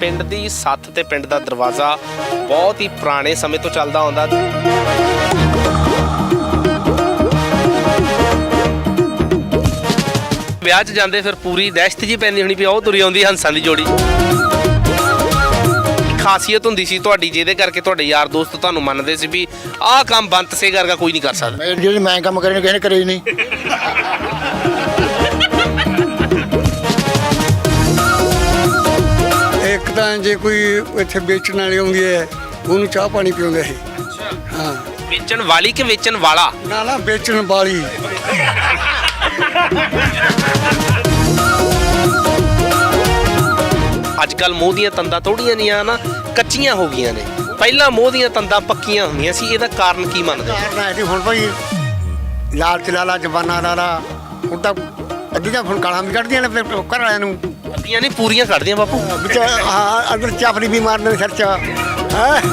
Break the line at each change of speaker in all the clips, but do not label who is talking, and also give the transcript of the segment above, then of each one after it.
ਪਿੰਡ ਦੀ ਸੱਥ ਤੇ ਪਿੰਡ ਦਾ ਦਰਵਾਜ਼ਾ ਬਹੁਤ ਹੀ ਪੁਰਾਣੇ ਸਮੇਂ ਤੋਂ ਚੱਲਦਾ ਆਉਂਦਾ। ਵਿਆਹ 'ਚ ਜਾਂਦੇ ਫਿਰ ਪੂਰੀ ਦਹਿਸ਼ਤ ਜੀ ਪੈਂਦੀ ਹੋਣੀ ਵੀ ਉਹ ਤੁਰੀ ਆਉਂਦੀ ਹੰਸਾਂ ਦੀ ਜੋੜੀ। ਖਾਸੀਅਤ ਹੁੰਦੀ ਸੀ ਤੁਹਾਡੀ ਜਿਹਦੇ ਕਰਕੇ ਤੁਹਾਡੇ ਯਾਰ ਦੋਸਤ ਤੁਹਾਨੂੰ ਮੰਨਦੇ ਸੀ ਵੀ ਆਹ ਕੰਮ ਬੰਤ ਸੇ ਵਰਗਾ ਕੋਈ ਨਹੀਂ ਕਰ ਸਕਦਾ।
ਜਿਹੜੇ ਮੈਂ ਕੰਮ ਕਰੇ ਕਿਸੇ ਨੇ ਕਰੇ ਹੀ ਨਹੀਂ।
ਇੱਕ ਤਾਂ ਜੇ ਕੋਈ ਇੱਥੇ ਵੇਚਣ ਵਾਲੀ ਆਉਂਦੀ ਹੈ ਉਹਨੂੰ ਚਾਹ ਪਾਣੀ ਪਿਉਂਦੇ ਸੀ। ਹਾਂ,
ਵੇਚਣ ਵਾਲੀ ਕਿ ਵੇਚਣ ਵਾਲਾ?
ਨਾ ਵੇਚਣ ਵਾਲੀ।
ਅੱਜ ਕੱਲ ਮੋਹ ਦੀਆਂ ਤੰਦਾਂ ਥੋੜੀਆਂ ਨਹੀਂ ਨਾ ਕੱਚੀਆਂ ਹੋ ਗਈਆਂ ਨੇ। ਪਹਿਲਾਂ ਮੋਹ ਦੀਆਂ ਤੰਦਾਂ ਪੱਕੀਆਂ ਹੁੰਦੀਆਂ ਸੀ। ਇਹਦਾ ਕਾਰਨ ਕੀ ਮੰਨਦੇ?
ਕਾਰਨ ਹੈ ਜੀ ਹੁਣ ਭਾਈ ਲਾਲਚ ਲਾਲਾ ਜਵਾਨਾ ਲਾਲਾ ਹੁਣ ਤਾਂ ਅੱਧੀਆਂ ਹੁਣ ਗਾਲਾਂ ਵੀ ਕੱਢਦੀਆਂ ਨੇ ਫਿਰ ਘਰ ਵਾਲਿਆਂ ਨੂੰ।
ਅੱਧੀਆਂ ਨਹੀਂ ਪੂਰੀਆਂ ਕੱਢਦੀਆਂ ਬਾਪੂ।
ਵਿੱਚ ਹਾਂ ਅੰਦਰ ਚਾਪੜੀ ਵੀ ਮਾਰਦੇ ਨੇ ਸਿਰ 'ਚ। ਹੈਂ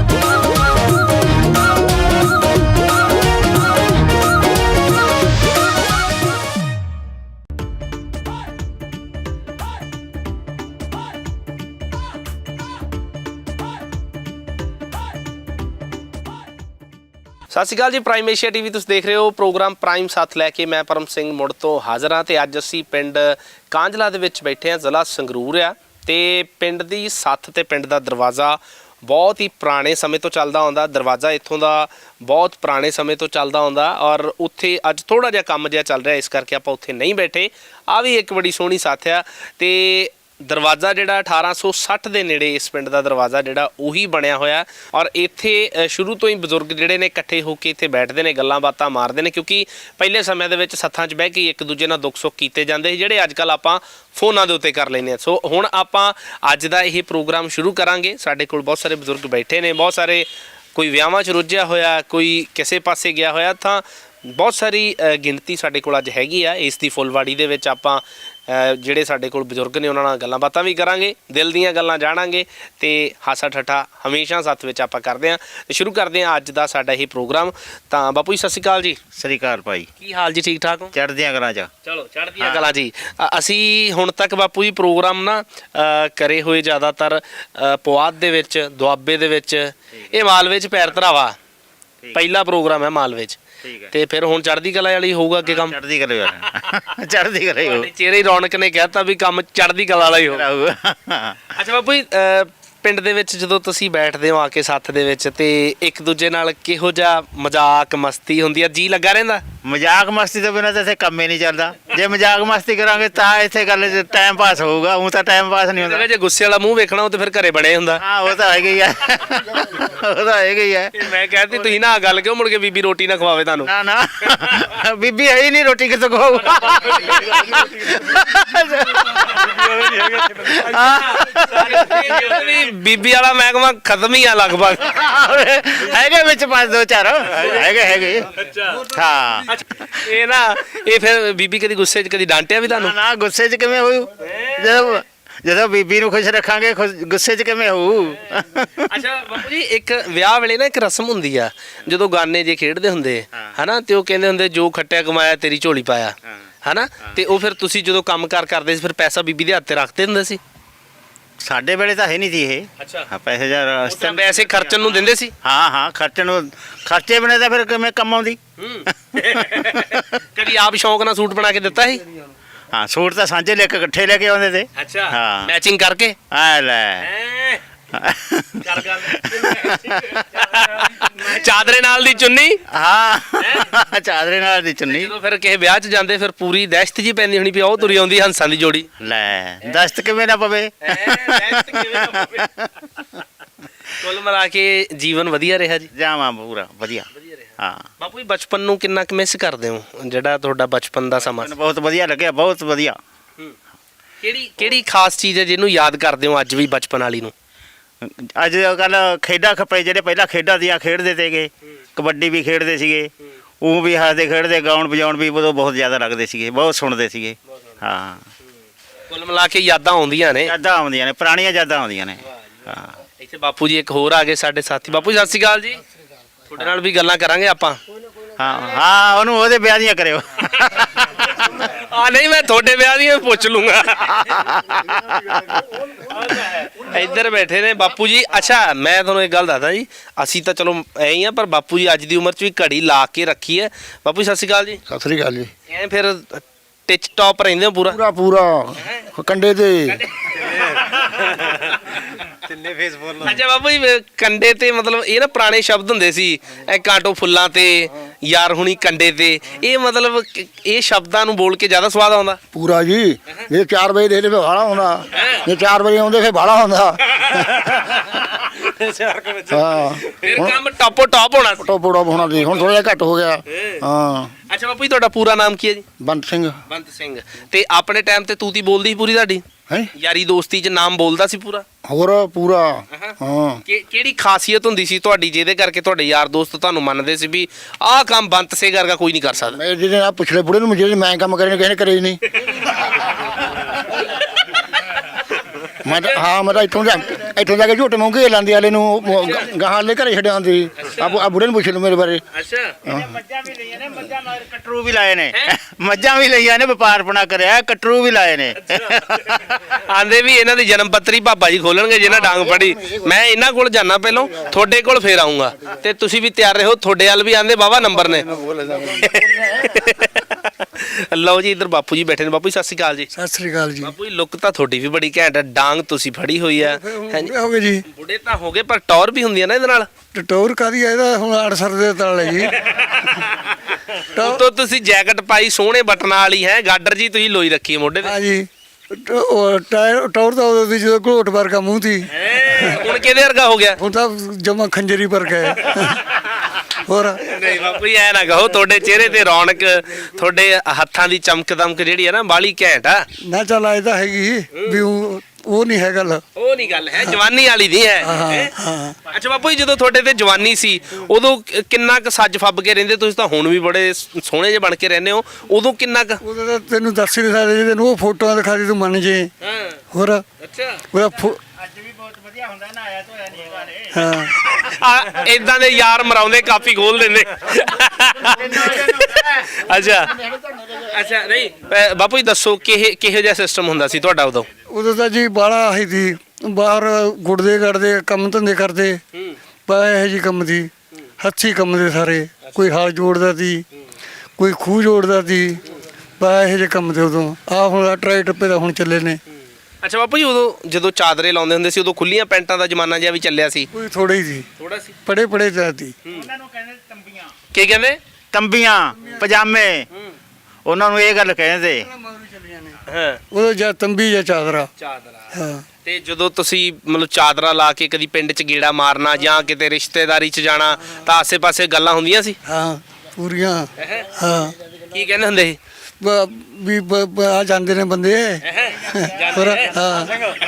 ਸਤਿ ਸ਼੍ਰੀ ਅਕਾਲ ਜੀ। ਪ੍ਰਾਈਮ ਏਸ਼ੀਆ ਟੀਵੀ ਤੁਸੀਂ ਦੇਖ ਰਹੇ ਹੋ। ਪ੍ਰੋਗਰਾਮ ਪ੍ਰਾਈਮ ਸਾਥ ਲੈ ਕੇ ਮੈਂ ਪਰਮ ਸਿੰਘ ਮੁੜ ਤੋਂ ਹਾਜ਼ਰ ਹਾਂ ਤੇ ਅੱਜ ਅਸੀਂ ਪਿੰਡ ਕਾਂਝਲਾ ਦੇ ਵਿੱਚ ਬੈਠੇ ਹਾਂ, ਜ਼ਿਲ੍ਹਾ ਸੰਗਰੂਰ ਆ। ਤੇ ਪਿੰਡ ਦੀ ਸੱਥ ਤੇ ਪਿੰਡ ਦਾ ਦਰਵਾਜ਼ਾ ਬਹੁਤ ਹੀ ਪੁਰਾਣੇ ਸਮੇਂ ਤੋਂ ਚੱਲਦਾ ਆਉਂਦਾ। ਦਰਵਾਜ਼ਾ ਇੱਥੋਂ ਦਾ ਬਹੁਤ ਪੁਰਾਣੇ ਸਮੇਂ ਤੋਂ ਚੱਲਦਾ ਆਉਂਦਾ ਔਰ ਉੱਥੇ ਅੱਜ ਥੋੜ੍ਹਾ ਜਿਹਾ ਕੰਮ ਜਿਹਾ ਚੱਲ ਰਿਹਾ, ਇਸ ਕਰਕੇ ਆਪਾਂ ਉੱਥੇ ਨਹੀਂ ਬੈਠੇ। ਆ ਵੀ ਇੱਕ ਬੜੀ ਸੋਹਣੀ ਸੱਥ ਆ ਤੇ ਦਰਵਾਜ਼ਾ ਜਿਹੜਾ 1860 ਦੇ ਨੇੜੇ ਇਸ ਪਿੰਡ ਦਾ ਦਰਵਾਜ਼ਾ ਜਿਹੜਾ ਉਹੀ ਬਣਿਆ ਹੋਇਆ ਔਰ ਇੱਥੇ ਸ਼ੁਰੂ ਤੋਂ ਹੀ ਬਜ਼ੁਰਗ ਜਿਹੜੇ ਨੇ ਇਕੱਠੇ ਹੋ ਕੇ ਇੱਥੇ ਬੈਠਦੇ ਨੇ, ਗੱਲਾਂ ਬਾਤਾਂ ਮਾਰਦੇ ਨੇ, ਕਿਉਂਕਿ ਪਹਿਲੇ ਸਮਿਆਂ ਦੇ ਵਿੱਚ ਸੱਥਾਂ 'ਚ ਬਹਿ ਕੇ ਇੱਕ ਦੂਜੇ ਨਾਲ ਦੁੱਖ ਸੁੱਖ ਕੀਤੇ ਜਾਂਦੇ ਸੀ, ਜਿਹੜੇ ਅੱਜ ਕੱਲ੍ਹ ਆਪਾਂ ਫੋਨਾਂ ਦੇ ਉੱਤੇ ਕਰ ਲੈਂਦੇ ਹਾਂ। ਸੋ ਹੁਣ ਆਪਾਂ ਅੱਜ ਦਾ ਇਹ ਪ੍ਰੋਗਰਾਮ ਸ਼ੁਰੂ ਕਰਾਂਗੇ। ਸਾਡੇ ਕੋਲ ਬਹੁਤ ਸਾਰੇ ਬਜ਼ੁਰਗ ਬੈਠੇ ਨੇ, ਬਹੁਤ ਸਾਰੇ, ਕੋਈ ਵਿਆਹਾਂ 'ਚ ਰੁੱਝਿਆ ਹੋਇਆ, ਕੋਈ ਕਿਸੇ ਪਾਸੇ ਗਿਆ ਹੋਇਆ, ਤਾਂ ਬਹੁਤ ਸਾਰੀ ਗਿਣਤੀ ਸਾਡੇ ਕੋਲ ਅੱਜ ਹੈਗੀ ਆ। ਇਸ ਦੀ ਫੁੱਲਵਾੜੀ ਦੇ ਵਿੱਚ ਆਪਾਂ ਜਿਹੜੇ ਸਾਡੇ ਕੋਲ ਬਜ਼ੁਰਗ ਨੇ ਉਹਨਾਂ ਨਾਲ ਗੱਲਾਂ ਬਾਤਾਂ ਵੀ ਕਰਾਂਗੇ, ਦਿਲ ਦੀਆਂ ਗੱਲਾਂ ਜਾਣਾਂਗੇ ਤੇ ਹਾਸਾ ਠੱਠਾ ਹਮੇਸ਼ਾ ਸਾਥ ਵਿੱਚ ਆਪਾਂ ਕਰਦੇ ਹਾਂ। ਤੇ ਸ਼ੁਰੂ ਕਰਦੇ ਹਾਂ ਅੱਜ ਦਾ ਸਾਡਾ ਇਹ ਪ੍ਰੋਗਰਾਮ। ਤਾਂ ਬਾਪੂ ਜੀ ਸਤਿ ਸ਼੍ਰੀ ਅਕਾਲ ਜੀ।
ਸਤਿ ਸ਼੍ਰੀ ਅਕਾਲ ਭਾਈ।
ਕੀ ਹਾਲ ਜੀ? ਠੀਕ ਠਾਕ ਹੋ?
ਚੜ੍ਹਦੀਆਂ ਕਲਾਂ ਚ।
ਚਲੋ ਚੜ੍ਹਦੀਆਂ ਕਲਾਂ ਜੀ। ਅਸੀਂ ਹੁਣ ਤੱਕ ਬਾਪੂ ਜੀ ਪ੍ਰੋਗਰਾਮ ਨਾ ਕਰੇ ਹੋਏ ਜ਼ਿਆਦਾਤਰ ਪੁਆਧ ਦੇ ਵਿੱਚ, ਦੁਆਬੇ ਦੇ ਵਿੱਚ, ਇਹ ਮਾਲਵੇ 'ਚ ਪੈਰ ਧਰਾਵਾ ਪਹਿਲਾ ਪ੍ਰੋਗਰਾਮ ਹੈ ਮਾਲਵੇ 'ਚ। ਤੇ ਫਿਰ ਹੁਣ ਚੜ੍ਹਦੀ ਕਲਾ ਵਾਲੀ ਹੋਊਗਾ ਅੱਗੇ ਕੰਮ?
ਚੜ੍ਹਦੀ ਕਲਾ ਚੜ੍ਹਦੀ ਕਲਾ ਹੋ।
ਚਿਹਰੇ ਹੀ ਰੌਣਕ ਨੇ ਕਹਿਤਾ ਵੀ ਕੰਮ ਚੜ੍ਹਦੀ ਕਲਾ ਵਾਲਾ ਹੀ ਹੋਊਗਾ। ਅੱਛਾ ਬਾਪੂ ਜੀ, ਪਿੰਡ ਦੇ ਵਿੱਚ ਜਦੋਂ ਤੁਸੀਂ ਬੈਠਦੇ ਹੋ ਆ ਕੇ ਸੱਥ ਦੇ ਵਿੱਚ ਤੇ ਇੱਕ ਦੂਜੇ ਨਾਲ ਕਿਹੋ ਜਿਹਾ ਮਜ਼ਾਕ ਮਸਤੀ ਹੁੰਦੀ ਆ? ਜੀ ਲੱਗਾ ਰਹਿੰਦਾ?
ਮਜ਼ਾਕ ਮਸਤੀ ਤੋਂ ਬਿਨਾਂ ਤਾਂ ਇੱਥੇ ਕੰਮ ਹੀ ਨਹੀਂ ਚੱਲਦਾ। ਜੇ ਮਜ਼ਾਕ ਮਸਤੀ ਕਰਾਂਗੇ ਤਾਂ ਇੱਥੇ ਗੱਲ ਟਾਈਮ ਪਾਸ ਹੋਊਗਾ, ਉਹ ਤਾਂ ਟਾਈਮ ਪਾਸ ਨਹੀਂ ਹੁੰਦਾ।
ਜੇ ਗੁੱਸੇ ਵਾਲਾ ਮੂੰਹ ਵੇਖਣਾ ਉਹ ਤੇ ਫਿਰ ਘਰੇ ਬਣੇ ਹੁੰਦਾ।
ਹਾਂ ਉਹ ਤਾਂ ਹੈਗਾ ਹੀ ਹੈ, ਉਹ ਤਾਂ ਹੈਗਾ ਹੀ ਹੈ।
ਮੈਂ ਕਹਿੰਦੀ ਤੁਸੀਂ ਨਾ ਗੱਲ ਕਿਉਂ ਮੁੜ ਕੇ ਬੀਬੀ ਰੋਟੀ ਨਾ ਖਵਾਵੇ ਤੁਹਾਨੂੰ?
ਨਾ ਬੀਬੀ ਹੈ ਹੀ ਨਹੀਂ, ਰੋਟੀ ਕਿੱਥੋਂ ਖਵਾਊਗਾ?
ਬੀਬੀ ਵਾਲਾ ਮਹਿਕਮਾ ਖਤਮ ਹੀ ਆ ਲਗਭਗ।
ਹੈਗੇ ਵਿੱਚ 5-2-4 ਹੈਗੇ। ਹਾਂ
ਇਹ ਨਾ ਇਹ ਫਿਰ ਬੀਬੀ ਕਦੀ ਗੁੱਸੇ 'ਚ ਕਦੀ ਡਾਂਟਿਆ ਵੀ ਤੁਹਾਨੂੰ?
ਨਾ ਗੁੱਸੇ 'ਚ ਕਿਵੇਂ ਹੋਊ? ਜਦੋਂ ਬੀਬੀ ਨੂੰ ਖੁਸ਼ ਰੱਖਾਂਗੇ ਗੁੱਸੇ 'ਚ ਕਿਵੇਂ ਹੋਊ?
ਅੱਛਾ ਬਾਪੂ ਜੀ, ਇੱਕ ਵਿਆਹ ਵੇਲੇ ਨਾ ਇੱਕ ਰਸਮ ਹੁੰਦੀ ਆ, ਜਦੋਂ ਗਾਨੇ ਜੇ ਖੇਡਦੇ ਹੁੰਦੇ ਹਨਾ, ਤੇ ਉਹ ਕਹਿੰਦੇ ਹੁੰਦੇ ਜੋ ਖੱਟਿਆ ਕਮਾਇਆ ਤੇਰੀ ਝੋਲੀ ਪਾਇਆ ਹਨਾ, ਤੇ ਉਹ ਫਿਰ ਤੁਸੀਂ ਜਦੋਂ ਕੰਮ ਕਾਰ ਕਰਦੇ ਸੀ ਫਿਰ ਪੈਸਾ ਬੀਬੀ ਦੇ ਹੱਥ ਤੇ ਰੱਖਦੇ ਹੁੰਦੇ ਸੀ?
ਸਾਡੇ ਵੇਲੇ ਤਾਂ ਹੈ ਨਹੀਂ ਸੀ ਇਹ।
ਅੱਛਾ,
ਪੈਸੇ ਜਾਂ
ਪੈਸੇ ਖਰਚਣ ਨੂੰ ਦਿੰਦੇ ਸੀ?
ਹਾਂ ਖਰਚਣ ਨੂੰ, ਖਰਚੇ ਬਿਨਾਂ ਤਾਂ ਫਿਰ ਕਿਵੇਂ ਕੰਮ ਆਉਂਦੀ?
ਕਦੀ ਆਪ ਸ਼ੌਂਕ ਨਾਲ ਸੂਟ ਬਣਾ ਕੇ ਦਿੱਤਾ ਸੀ?
ਹਾਂ ਸੂਟ ਤਾਂ ਸਾਂਝੇ ਲੈ ਕੇ ਇਕੱਠੇ ਲੈ ਕੇ ਆਉਂਦੇ ਤੇ।
ਅੱਛਾ,
ਹਾਂ
ਮੈਚਿੰਗ ਕਰਕੇ।
ਆ ਲੈ
ਚਾਦਰੇ ਨਾਲ ਦੀ ਚੁੰਨੀ।
ਹਾਂ ਚਾਦਰੇ ਨਾਲ ਦੀ ਚੁੰਨੀ।
ਜਦੋਂ ਫਿਰ ਕਿਸੇ ਵਿਆਹ 'ਚ ਜਾਂਦੇ ਫਿਰ ਪੂਰੀ ਦਹਿਸ਼ਤ ਜੀ ਪੈਂਦੀ ਹੋਣੀ ਵੀ ਉਹ ਤੁਰੀ ਆਉਂਦੀ ਹੰਸਾਂ ਦੀ ਜੋੜੀ।
ਲੈ ਦਸਤ ਕਿਵੇਂ ਨਾ ਪਵੇ।
ਕੁੱਲ ਮਿਲਾ ਕੇ ਜੀਵਨ ਵਧੀਆ ਰਿਹਾ ਜੀ?
ਜਾਵਾਂ ਪੂਰਾ ਵਧੀਆ। ਹਾਂ
ਬਾਪੂ ਜੀ, ਬਚਪਨ ਨੂੰ ਕਿੰਨਾ ਕੁ ਮਿਸ ਕਰਦੇ ਹੋ? ਜਿਹੜਾ ਤੁਹਾਡਾ ਬਚਪਨ ਦਾ ਸਮਾਂ?
ਬਹੁਤ ਵਧੀਆ ਲੱਗਿਆ, ਬਹੁਤ ਵਧੀਆ।
ਕਿਹੜੀ ਖਾਸ ਚੀਜ਼ ਹੈ ਜਿਹਨੂੰ ਯਾਦ ਕਰਦੇ ਹੋ ਅੱਜ ਵੀ ਬਚਪਨ ਵਾਲੀ ਨੂੰ?
ਅੱਜ ਕੱਲ ਖੇਡਾਂ ਖੱਪੇ ਜਿਹੜੇ ਪਹਿਲਾਂ ਖੇਡਾਂ ਦੀਆਂ ਖੇਡਦੇ ਤੇਗੇ, ਕਬੱਡੀ ਵੀ ਖੇਡਦੇ ਸੀਗੇ, ਉਹ ਵੀ ਹੱਸਦੇ ਖੇਡਦੇ, ਗਾਉਣ ਵਜਾਉਣ ਵੀ ਉਦੋਂ ਬਹੁਤ ਜ਼ਿਆਦਾ ਲੱਗਦੇ ਸੀਗੇ, ਬਹੁਤ ਸੁਣਦੇ ਸੀਗੇ। ਹਾਂ
ਕੁੱਲ ਮਿਲਾ ਕੇ ਯਾਦਾਂ ਆਉਂਦੀਆਂ ਨੇ?
ਯਾਦਾਂ ਆਉਂਦੀਆਂ ਨੇ, ਪੁਰਾਣੀਆਂ ਯਾਦਾਂ ਆਉਂਦੀਆਂ ਨੇ। ਹਾਂ ਇੱਥੇ
ਬਾਪੂ ਜੀ ਇੱਕ ਹੋਰ ਆ ਗਏ ਸਾਡੇ ਸਾਥੀ। ਬਾਪੂ ਜੀ ਸਤਿ ਸ਼੍ਰੀ ਅਕਾਲ ਜੀ। ਤੁਹਾਡੇ ਨਾਲ ਵੀ ਗੱਲਾਂ ਕਰਾਂਗੇ ਆਪਾਂ।
ਹਾਂ ਉਹਨੂੰ ਉਹਦੇ ਵਿਆਹ ਦੀਆਂ ਕਰਿਓ।
ਨਹੀਂ ਮੈਂ ਤੁਹਾਡੇ ਵਿਆਹ ਦੀਆਂ ਪੁੱਛ ਲੂੰਗਾ। ਇੱਧਰ ਬੈਠੇ ਨੇ ਬਾਪੂ ਜੀ। ਅੱਛਾ ਮੈਂ ਤੁਹਾਨੂੰ ਇੱਕ ਗੱਲ ਦੱਸਦਾ ਜੀ, ਅਸੀਂ ਤਾਂ ਚਲੋ ਐਂ ਹੀ ਆ, ਪਰ ਬਾਪੂ ਜੀ ਅੱਜ ਦੀ ਉਮਰ 'ਚ ਵੀ ਘੜੀ ਲਾ ਕੇ ਰੱਖੀ ਹੈ। ਬਾਪੂ ਜੀ ਸਤਿ ਸ਼੍ਰੀ ਅਕਾਲ ਜੀ।
ਸਤਿ ਸ੍ਰੀ ਅਕਾਲ ਜੀ।
ਐਂ ਫਿਰ ਟਿਚ ਟੌਪ ਰਹਿੰਦੇ ਹੋ ਪੂਰਾ?
ਪੂਰਾ ਪੂਰਾ ਕੰਡੇ ਤੇ
ਅੱਛਾ ਬਾਪੂ ਜੀ ਕੰਡੇ ਤੇ ਮਤਲਬ ਇਹ ਨਾ ਪੁਰਾਣੇ ਸ਼ਬਦ ਹੁੰਦੇ ਸੀ, ਇਹ ਕਾਂਟੋ ਫੁੱਲਾਂ ਤੇ, ਯਾਰ ਹੁਣੀ ਕੰਡੇ ਤੇ, ਇਹ ਮਤਲਬ ਇਹ ਸ਼ਬਦਾਂ ਨੂੰ ਬੋਲ ਕੇ ਜ਼ਿਆਦਾ ਸਵਾਦ ਆਉਂਦਾ?
ਪੂਰਾ ਜੀ। ਜੇ 4 ਵਜੇ ਦੇ ਫੇ ਭਾੜਾ ਹੁੰਦਾ, ਜੇ 4 ਵਜੇ ਆਉਂਦੇ ਫੇ ਭਾੜਾ ਹੁੰਦਾ। ਹਾਂ
ਫਿਰ ਕੰਮ ਟਾਪੋ ਟਾਪ ਹੋਣਾ ਸੀ।
ਟੋਪੋੜਾ ਹੋਣਾ ਸੀ, ਹੁਣ ਥੋੜਾ ਜਿਹਾ ਘੱਟ ਹੋ ਗਿਆ। ਹਾਂ
ਅੱਛਾ ਬਾਪੂ ਜੀ ਤੁਹਾਡਾ ਪੂਰਾ ਨਾਮ ਕੀ ਹੈ ਜੀ?
ਬੰਤ ਸਿੰਘ।
ਬੰਤ ਸਿੰਘ। ਤੇ ਆਪਣੇ ਟਾਈਮ ਤੇ ਤੂਤੀ ਬੋਲਦੀ ਸੀ ਪੂਰੀ ਤੁਹਾਡੀ?
ਹੈ
ਯਾਰੀ ਦੋਸਤੀ 'ਚ ਨਾਮ ਬੋਲਦਾ ਸੀ ਪੂਰਾ?
ਹੋਰ ਪੂਰਾ। ਹਾਂ
ਕਿਹੜੀ ਖਾਸੀਅਤ ਹੁੰਦੀ ਸੀ ਤੁਹਾਡੀ ਜਿਹਦੇ ਕਰਕੇ ਤੁਹਾਡੇ ਯਾਰ ਦੋਸਤ ਤੁਹਾਨੂੰ ਮੰਨਦੇ ਸੀ ਵੀ ਆਹ ਕੰਮ ਬੰਤ ਸਿੰਘ ਵਰਗਾ ਕੋਈ ਨਹੀਂ ਕਰ ਸਕਦਾ?
ਮੈਂ ਜਿਹਦੇ ਨਾਲ ਪੁੱਛਲੇ ਬੁੜੇ ਨੂੰ, ਜਿਹੜੇ ਮੈਂ ਕੰਮ ਕਰੇ ਨੇ ਕਿਸੇ ਨੇ ਕਰੇ ਹੀ ਨਹੀਂ। ਮੈਂ ਤਾਂ ਇੱਥੋਂ ਜਾ ਕੇ ਝੋਟੇ ਮੌਂਗੇ ਲਾਂਦੇ ਵਾਲੇ ਨੂੰ ਗਾਹਾਂ ਵਾਲੇ ਘਰੇ ਛੱਡਿਆ ਹੁੰਦੀ। ਆ ਬੁੜੇ ਨੂੰ ਪੁੱਛ ਲਓ ਮੇਰੇ ਬਾਰੇ।
ਅੱਛਾ
ਮੱਝਾਂ ਵੀ ਲਈਆਂ ਨੇ, ਮੱਝਾਂ ਨਾਲ ਕਟਰੂ ਵੀ ਲਾਏ ਨੇ। ਮੱਝਾਂ ਵੀ ਲਈਆਂ ਨੇ, ਵਪਾਰਪਣਾ ਕਰਿਆ, ਕਟਰੂ ਵੀ ਲਾਏ ਨੇ।
ਆਂਦੇ ਵੀ ਇਹਨਾਂ ਦੀ ਜਨਮ ਪੱਤਰੀ ਭਾਪਾ ਜੀ ਖੋਲਣਗੇ ਜਿਹਨਾਂ ਡਾਂਗ ਫੜੀ। ਮੈਂ ਇਹਨਾਂ ਕੋਲ ਜਾਣਾ ਪਹਿਲਾਂ, ਤੁਹਾਡੇ ਕੋਲ ਫੇਰ ਆਉਂਗਾ ਤੇ ਤੁਸੀਂ ਵੀ ਤਿਆਰ ਰਹੋ। ਤੁਹਾਡੇ ਵੱਲ ਵੀ ਆਂਦੇ ਬਾਵਾ ਨੰਬਰ ਨੇ। ਲਓ ਜੀ ਇੱਧਰ ਬਾਪੂ ਜੀ ਬੈਠੇ ਨੇ। ਬਾਪੂ ਜੀ ਸਤਿ ਸ਼੍ਰੀ ਅਕਾਲ ਜੀ।
ਸਤਿ ਸ੍ਰੀ ਅਕਾਲ ਜੀ।
ਬਾਪੂ ਜੀ ਲੁੱਕ ਤਾਂ ਤੁਹਾਡੀ ਵੀ ਬੜੀ ਘੈਂਟ ਹੈ, ਡਾਂਗ ਤੁਸੀਂ ਫੜੀ ਹੋਈ ਆ।
ਬੁੱਢੇ ਹੋ ਗਏ ਜੀ।
ਬੁੱਢੇ ਤਾਂ ਹੋ ਗਏ ਪਰ ਟੌਰ ਵੀ ਹੁੰਦੀ ਹੈ ਨਾ ਇਹਦੇ ਨਾਲ।
ਟਟੋਰ ਕਾਦੀ ਹੈ ਇਹਦਾ? ਹੁਣ 8 ਸਰ ਦੇ ਤਲ ਹੈ ਜੀ।
ਉਤੋਂ ਤੁਸੀਂ ਜੈਕਟ ਪਾਈ ਸੋਹਣੇ ਬਟਨਾਂ ਵਾਲੀ ਹੈ, ਗਾਡਰ ਜੀ ਤੁਸੀਂ ਲੋਈ ਰੱਖੀ ਹੈ ਮੋਢੇ ਤੇ।
ਹਾਂ ਜੀ। ਟੌਰ ਤਾਂ ਉਦੋਂ ਦੀ ਜਦੋਂ ਘੋਟ ਵਰਗਾ ਮੂੰਹ ਸੀ।
ਹੁਣ ਕਿਹਦੇ ਵਰਗਾ ਹੋ ਗਿਆ?
ਹੁਣ ਤਾਂ ਜਮਾ ਖੰਜਰੀ ਵਰਗਾ ਹੈ। ਹੋਰ
ਨਹੀਂ ਬਾਪੂ ਜੀ ਐ ਨਾ ਕਹੋ, ਤੁਹਾਡੇ ਚਿਹਰੇ ਤੇ ਰੌਣਕ, ਤੁਹਾਡੇ ਹੱਥਾਂ ਦੀ ਚਮਕ ਦਮਕ ਜਿਹੜੀ ਹੈ ਨਾ ਬਾਲੀ ਘੈਂਟ ਆ।
ਨਾ ਚੱਲ ਆਏ ਤਾਂ ਹੈਗੀ ਵੀ ਉਹ ਨਹੀਂ ਹੈ ਗੱਲ।
ਉਹ ਨਹੀਂ ਗੱਲ ਹੈ, ਜਵਾਨੀ ਵਾਲੀ ਨਹੀਂ ਹੈ।
ਹਾਂ।
ਅੱਛਾ ਬਾਪੂ ਜੀ ਜਦੋਂ ਤੁਹਾਡੇ ਤੇ ਜਵਾਨੀ ਸੀ ਉਦੋਂ ਕਿੰਨਾ ਕੁ ਸੱਜ ਫੱਬ ਕੇ ਰਹਿੰਦੇ? ਤੁਸੀਂ ਤਾਂ ਹੁਣ ਵੀ ਬੜੇ ਸੋਹਣੇ ਜਿਹੇ ਬਣ ਕੇ ਰਹਿੰਦੇ ਹੋ, ਉਦੋਂ ਕਿੰਨਾ ਕੁ?
ਉਹਦਾ ਤਾਂ ਤੈਨੂੰ ਦੱਸ ਹੀ ਨਹੀਂ ਸਕਦੇ, ਜੇ ਤੈਨੂੰ ਉਹ ਫੋਟੋਆਂ ਦਿਖਾ ਦੇ ਤੂੰ ਮੰਨ ਜੇ।
ਹਾਂ
ਹੋਰ
ਅੱਛਾ।
ਉਹਦਾ
ਅੱਜ ਵੀ ਬਹੁਤ ਵਧੀਆ ਹੁੰਦਾ ਨਾ, ਆਇਆ ਧੋਇਆ ਨਹੀਂ ਹੈਗਾ ਨੇ।
ਹਾਂ
ਆ ਇਦਾਂ ਦੇ ਯਾਰ ਮਰਾਉਂਦੇ ਕਾਫੀ ਖੋਲ ਦਿੰਦੇ। ਅੱਛਾ ਅੱਛਾ ਨਹੀਂ ਬਾਪੂ ਜੀ ਦੱਸੋ ਕਿਹੋ ਜਿਹਾ ਸਿਸਟਮ ਹੁੰਦਾ ਸੀ ਤੁਹਾਡਾ ਉਦੋਂ?
ਉਦੋਂ ਤਾਂ ਜੀ ਬਾਲਾ ਆਹੀ ਸੀ, ਬਾਹਰ ਗੁੜਦੇ ਗੜਦੇ ਕੰਮ ਧੰਦੇ ਕਰਦੇ। ਬਾ ਇਹੋ ਜਿਹੀ ਕੰਮ ਦੀ ਹੱਥੀ ਕੰਮ ਦੇ ਸਾਰੇ। ਕੋਈ ਹਾਲ ਜੋੜਦਾ ਸੀ, ਕੋਈ ਖੂਹ ਜੋੜਦਾ ਸੀ। ਬਾ ਇਹੋ ਜਿਹੇ ਕੰਮ ਦੇ ਉਦੋਂ। ਆਹ ਹੁਣ ਟਰਾਈ ਟੱਪੇ ਦਾ ਹੁਣ ਚੱਲੇ ਨੇ।
ਅੱਛਾ ਬਾਪੂ ਜੀ ਉਦੋਂ ਜਦੋਂ ਚਾਦਰੇ ਲਾਉਂਦੇ ਹੁੰਦੇ ਸੀ ਉਦੋਂ ਖੁੱਲੀਆਂ ਪੈਂਟਾਂ ਦਾ ਜ਼ਮਾਨਾ ਜਿਹਾ ਵੀ ਚੱਲਿਆ ਸੀ?
ਕੋਈ ਥੋੜਾ ਹੀ ਸੀ,
ਥੋੜਾ ਸੀ।
ਪੜੇ ਜਾਂਦੀ।
ਉਹਨਾਂ ਨੂੰ ਕਹਿੰਦੇ ਤੰਬੀਆਂ।
ਕੀ ਕਹਿੰਦੇ?
ਤੰਬੀਆਂ ਪਜਾਮੇ, ਉਹਨਾਂ ਨੂੰ ਇਹ ਗੱਲ ਕਹਿੰਦੇ।
ਹਾਂ
ਉਦੋਂ ਜਾਂ ਤੰਬੀ ਜਾਂ ਚਾਦਰਾ।
ਚਾਦਰਾ।
ਹਾਂ
ਤੇ ਜਦੋਂ ਤੁਸੀਂ ਮਤਲਬ ਚਾਦਰਾ ਲਾ ਕੇ ਕਦੀ ਪਿੰਡ 'ਚ ਗੇੜਾ ਮਾਰਨਾ ਜਾਂ ਕਿਤੇ ਰਿਸ਼ਤੇਦਾਰੀ 'ਚ ਜਾਣਾ ਤਾਂ ਆਸੇ-ਪਾਸੇ ਗੱਲਾਂ ਹੁੰਦੀਆਂ ਸੀ?
ਹਾਂ ਪੂਰੀਆਂ। ਹਾਂ
ਕੀ ਕਹਿੰਦੇ ਹੁੰਦੇ ਸੀ?
ਵੀ ਆ ਜਾਂਦੇ ਨੇ ਬੰਦੇ। ਹੋਰ ਹਾਂ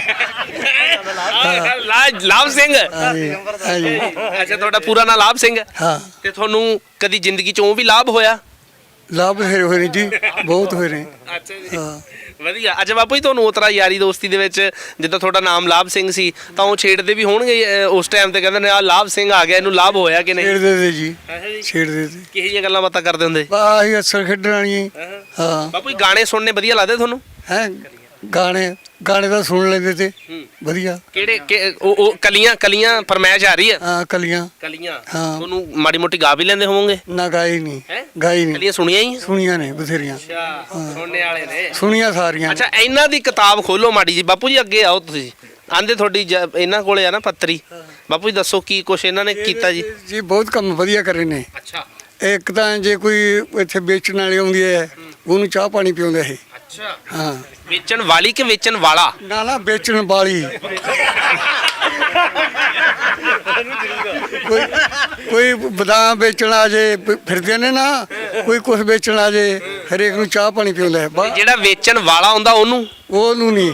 ਲਾਭ ਸਿੰਘ।
ਹਾਂਜੀ।
ਅੱਛਾ ਤੁਹਾਡਾ ਪੂਰਾ ਨਾਂ ਲਾਭ ਸਿੰਘ ਹੈ?
ਹਾਂ
ਤੇ ਤੁਹਾਨੂੰ ਕਦੀ ਜ਼ਿੰਦਗੀ 'ਚ ਉਹ ਵੀ ਲਾਭ ਹੋਇਆ?
ਲਾਭ ਹੋਏ ਨੇ ਜੀ, ਬਹੁਤ ਹੋਏ ਨੇ।
ਅੱਛਾ ਜੀ
ਹਾਂ
ਵਧੀਆ। ਅੱਛਾ ਬਾਪੂ ਜੀ ਤੁਹਾਨੂੰ ਉਤਰਾ ਯਾਰੀ ਦੋਸਤੀ ਦੇ ਵਿੱਚ ਜਿੱਦਾਂ ਤੁਹਾਡਾ ਨਾਮ ਲਾਭ ਸਿੰਘ ਸੀ ਤਾਂ ਉਹ ਛੇੜਦੇ ਵੀ ਹੋਣਗੇ ਉਸ ਟਾਈਮ ਤੇ, ਕਹਿੰਦੇ ਨੇ ਆ ਲਾਭ ਸਿੰਘ ਆ ਗਿਆ, ਇਹਨੂੰ ਲਾਭ ਹੋਇਆ ਕਿ ਨਹੀਂ?
ਛੇੜਦੇ ਤੇ ਜੀ, ਛੇੜਦੇ ਤੇ।
ਕਿਹੋ ਜਿਹੀਆਂ ਗੱਲਾਂ ਬਾਤਾਂ ਕਰਦੇ ਹੁੰਦੇ?
ਆਹੀ ਅਸਰ ਖੇਡਣ ਵਾਲੀਆਂ। ਹਾਂ
ਬਾਪੂ ਜੀ ਗਾਣੇ ਸੁਣਨੇ ਵਧੀਆ ਲੱਗਦੇ ਤੁਹਾਨੂੰ?
ਹੈ ਗਾਣੇ ਤਾਂ ਸੁਣ ਲੈਂਦੇ ਤੇ ਵਧੀਆ।
ਕਿਹੜੇ ਉਹ ਕਲੀਆਂ ਫਰਮਾਇਸ਼ ਆ ਰਹੀ ਹੈ?
ਹਾਂ ਕਲੀਆਂ।
ਕਲੀਆਂ
ਹਾਂ।
ਤੁਹਾਨੂੰ ਮਾੜੀ ਮੋਟੀ ਗਾ ਵੀ ਲੈਂਦੇ ਹੋਵੋਗੇ?
ਨਾ ਗਾਈ ਨਹੀਂ,
ਹੈਂ?
ਗਾਈ ਨਹੀਂ।
ਕਲੀਆਂ ਸੁਣੀਆਂ ਹੀ?
ਸੁਣੀਆਂ ਨੇ ਬਥੇਰੀਆਂ।
ਅੱਛਾ ਸੁਣਨੇ ਵਾਲੇ ਨੇ।
ਸੁਣੀਆਂ ਸਾਰੀਆਂ।
ਅੱਛਾ ਇਹਨਾਂ ਦੀ ਕਿਤਾਬ ਖੋਲੋ ਮਾੜੀ ਜੀ। ਬਾਪੂ ਜੀ ਅੱਗੇ ਆਓ ਤੁਸੀਂ। ਆਂਦੇ ਤੁਹਾਡੀ ਇਹਨਾਂ ਕੋਲੇ ਆ ਨਾ ਪੱਤਰੀ। ਬਾਪੂ ਜੀ ਦੱਸੋ ਕੀ ਕੁਛ ਇਹਨਾਂ ਨੇ ਕੀਤਾ ਜੀ?
ਜੀ ਬਹੁਤ ਕੰਮ ਵਧੀਆ ਕਰੇ ਨੇ।
ਅੱਛਾ
ਇੱਕ ਤਾਂ ਜੇ ਕੋਈ ਇੱਥੇ ਵੇਚਣ ਵਾਲੀ ਆਉਂਦੀ ਹੈ ਉਹਨੂੰ ਚਾਹ ਪਾਣੀ ਪਿਆਉਂਦਾ ਇਹ।
ਅੱਛਾ
ਹਾਂ
ਵੇਚਣ ਵਾਲੀ ਕਿ ਵੇਚਣ ਵਾਲਾ?
ਨਾ ਵੇਚਣ ਵਾਲੀ। ਕੋਈ ਬਦਾਮ ਵੇਚਣ ਆ ਜੇ, ਫਿਰਦੇ ਨੇ ਨਾ, ਕੋਈ ਕੁਛ ਵੇਚਣ ਆ ਜੇ, ਹਰੇਕ ਨੂੰ ਚਾਹ ਪਾਣੀ ਪਿਆਉਂਦਾ ਹੈ।
ਜਿਹੜਾ ਵੇਚਣ ਵਾਲਾ ਹੁੰਦਾ ਉਹਨੂੰ
ਉਹਨੂੰ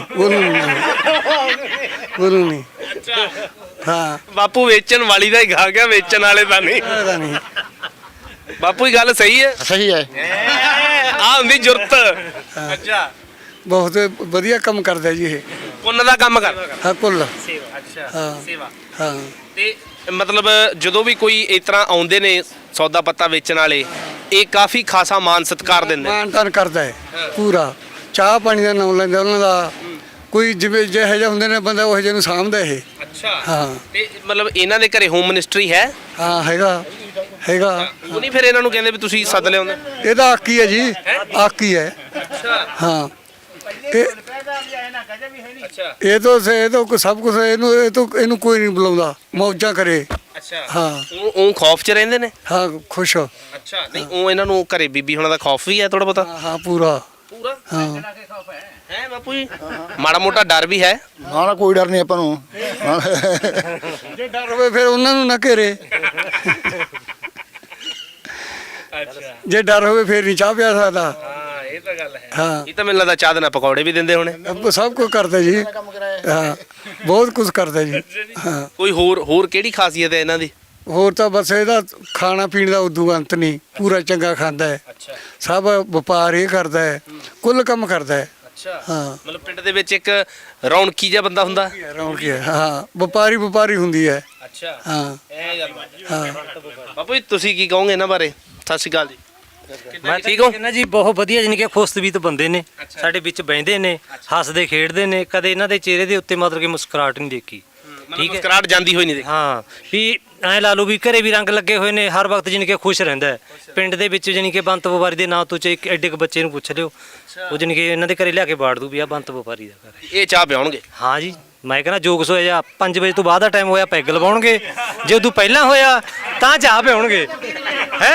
ਨਹੀਂ। ਹਾਂ
ਬਾਪੂ ਵੇਚਣ ਵਾਲੀ ਦਾ ਹੀ ਗਾ ਗਿਆ, ਵੇਚਣ ਵਾਲੇ ਦਾ ਨਹੀਂ।
ਪਤਾ ਨਹੀਂ।
ਬਾਪੂ ਇਹ ਗੱਲ ਸਹੀ ਹੈ?
ਸਹੀ ਹੈ।
ਆ ਹੁੰਦੀ ਜੁਰਤ। ਅੱਛਾ
ਬਹੁਤ ਵਧੀਆ ਕੰਮ ਕਰਦਾ ਜੀ ਇਹ।
ਪੁੰਨ ਦਾ ਕੰਮ ਕਰਦਾ?
ਹਾਂ ਕੁੱਲ।
ਸੇਵਾ। ਅੱਛਾ
ਹਾਂ।
ਸੇਵਾ।
ਹਾਂ
ਤੇ ਮਤਲਬ ਜਦੋਂ ਵੀ ਕੋਈ ਇਸ ਤਰ੍ਹਾਂ ਆਉਂਦੇ ਨੇ ਸੌਦਾ ਪੱਤਾ ਵੇਚਣ ਵਾਲੇ, ਇਹ ਕਾਫੀ ਖਾਸਾ ਮਾਨ ਸਤਿਕਾਰ ਦਿੰਦੇ ਨੇ?
ਮਾਨ ਤਾਨ ਕਰਦਾ ਹੈ ਪੂਰਾ। ਚਾਹ ਪਾਣੀ ਦਾ ਨਾਮ ਲੈਂਦਾ ਉਹਨਾਂ ਦਾ। ਕੋਈ ਜਿਵੇਂ ਜਿਹੇ ਜਿਹੇ ਹੁੰਦੇ ਨੇ ਬੰਦਾ ਉਹ ਜਿਹੇ ਨੂੰ ਸਾਂਭਦਾ ਇਹ।
ਅੱਛਾ
ਹਾਂ
ਤੇ ਮਤਲਬ ਇਹਨਾਂ ਦੇ ਘਰੇ ਹੋਮ ਮਿਨਿਸਟਰੀ ਹੈ?
ਹਾਂ ਹੈਗਾ
ਉਹ ਨਹੀਂ ਫਿਰ ਇਹਨਾਂ ਨੂੰ ਕਹਿੰਦੇ ਵੀ ਤੁਸੀਂ ਸੱਦ ਲਿਆਉਂਦੇ?
ਇਹਦਾ ਆਕੀ ਹੈ ਜੀ, ਆਕੀ ਹੈ।
ਅੱਛਾ
ਹਾਂ ਇਹ
ਅੱਛਾ
ਇਹ ਤਾਂ ਸਭ ਕੁਝ ਇਹਨੂੰ ਕੋਈ ਨਹੀਂ ਬੁਲਾਉਂਦਾ, ਮੌਜਾਂ ਕਰੇ।
ਅੱਛਾ
ਹਾਂ
ਉਹ ਖੌਫ 'ਚ ਰਹਿੰਦੇ ਨੇ?
ਹਾਂ ਖੁਸ਼।
ਅੱਛਾ ਨਹੀਂ ਉਹ ਇਹਨਾਂ ਨੂੰ ਘਰੇ ਬੀਬੀ ਹੋਣਾ ਦਾ ਖੌਫ ਵੀ ਹੈ ਥੋੜਾ ਬਹੁਤਾ?
ਹਾਂ ਪੂਰਾ।
ਪੂਰਾ
ਹਾਂ
ਹੈ ਬਾਪੂ ਜੀ? ਮਾੜਾ ਮੋਟਾ ਡਰ ਵੀ ਹੈ?
ਨਾ ਕੋਈ ਡਰ ਨਹੀਂ ਆਪਾਂ ਨੂੰ।
ਜੇ ਡਰ ਹੋਵੇ ਫਿਰ ਉਹਨਾਂ ਨੂੰ ਨਾ ਘੇਰੇ।
ਅੱਛਾ
ਜੇ ਡਰ ਹੋਵੇ ਫਿਰ ਨਹੀਂ ਚਾਹ ਪਿਆ ਸਕਦਾ।
ਹਾਂ ਇਹ ਤਾਂ ਗੱਲ ਹੈ।
ਹਾਂ
ਇਹ ਤਾਂ ਮੈਨੂੰ ਲੱਗਦਾ ਚਾਹ ਦੇ ਨਾਲ ਪਕੌੜੇ ਵੀ ਦਿੰਦੇ ਹੋਣੇ।
ਸਭ ਕੁਝ ਕਰਦਾ ਜੀ। ਹਾਂ ਬਹੁਤ ਕੁਝ ਕਰਦਾ ਜੀ। ਹਾਂ
ਕੋਈ ਹੋਰ ਕਿਹੜੀ ਖਾਸੀਅਤ ਹੈ ਇਹਨਾਂ ਦੀ?
ਹੋਰ ਤਾਂ ਬਸ ਇਹਦਾ ਖਾਣਾ ਪੀਣ ਦਾ ਉਦੋਂ ਅੰਤ ਨਹੀਂ, ਪੂਰਾ ਚੰਗਾ ਖਾਂਦਾ ਹੈ।
ਅੱਛਾ
ਸਭ ਵਪਾਰ ਇਹ ਕਰਦਾ ਹੈ, ਕੁੱਲ ਕੰਮ ਕਰਦਾ ਹੈ।
ਅੱਛਾ
ਹਾਂ
ਮਤਲਬ ਪਿੰਡ ਦੇ ਵਿੱਚ ਇੱਕ ਰੌਣਕੀ ਜਿਹਾ ਬੰਦਾ ਹੁੰਦਾ?
ਰੌਣਕੀ ਹੈ। ਹਾਂ ਵਪਾਰੀ ਹੁੰਦੀ ਹੈ।
ਅੱਛਾ
ਹਾਂ
ਇਹ ਗੱਲ
ਹਾਂ
ਬਾਪੂ ਜੀ ਤੁਸੀਂ ਕੀ ਕਹੋਗੇ ਇਹਨਾਂ ਬਾਰੇ? ਸਤਿ ਸ਼੍ਰੀ ਅਕਾਲ ਜੀ। ਕਿੱਦਾਂ ਠੀਕ ਹੋ?
ਕਹਿੰਦਾ ਜੀ ਬਹੁਤ ਵਧੀਆ, ਜਾਣੀ ਕਿ ਖੁਸ਼ਤਬੀਤ ਬੰਦੇ ਨੇ, ਸਾਡੇ ਵਿੱਚ ਬਹਿੰਦੇ ਨੇ, ਹੱਸਦੇ ਖੇਡਦੇ ਨੇ, ਕਦੇ ਇਹਨਾਂ ਦੇ ਚਿਹਰੇ ਦੇ ਉੱਤੇ ਮਤਲਬ ਕਿ ਮੁਸਕਰਾਹਟ ਨਹੀਂ ਦੇਖੀ।
ਠੀਕ ਹੈ ਮੁਸਕਰਾਹਟ ਜਾਂਦੀ ਹੋਈ ਨਹੀਂ ਦੇਖੀ?
ਹਾਂ ਵੀ ਐ ਲਾ ਲਓ ਵੀ ਘਰੇ ਵੀ ਰੰਗ ਲੱਗੇ ਹੋਏ ਨੇ, ਹਰ ਵਕਤ ਜਾਣੀ ਕਿ ਖੁਸ਼ ਰਹਿੰਦਾ ਹੈ। ਪਿੰਡ ਦੇ ਵਿੱਚ ਜਾਣੀ ਕਿ ਬੰਤ ਵਪਾਰੀ ਦੇ ਨਾਂ ਤੋਂ ਇੱਕ ਐਡੇ ਕੁ ਬੱਚੇ ਨੂੰ ਪੁੱਛ ਲਿਓ, ਉਹ ਜਾਣੀ ਕਿ ਇਹਨਾਂ ਦੇ ਘਰੇ ਲਿਆ ਕੇ ਬਾੜ ਦੂ ਵੀ ਆ ਬੰਤ ਵਪਾਰੀ ਦਾ ਘਰ ਹੈ।
ਇਹ ਚਾਹ ਪਿਆਉਣਗੇ?
ਹਾਂ ਜੀ ਮੈਂ ਕਹਿੰਦਾ ਜੋਗਸ ਹੋਇਆ ਜਾਂ 5 ਵਜੇ ਤੋਂ ਬਾਅਦ ਦਾ ਟਾਈਮ ਹੋਇਆ ਪੈਗ ਲਵਾਉਣਗੇ, ਜੇ ਉਦੋਂ ਪਹਿਲਾਂ ਹੋਇਆ ਤਾਂ ਚਾਹ ਪਿਆਉਣਗੇ। ਹੈ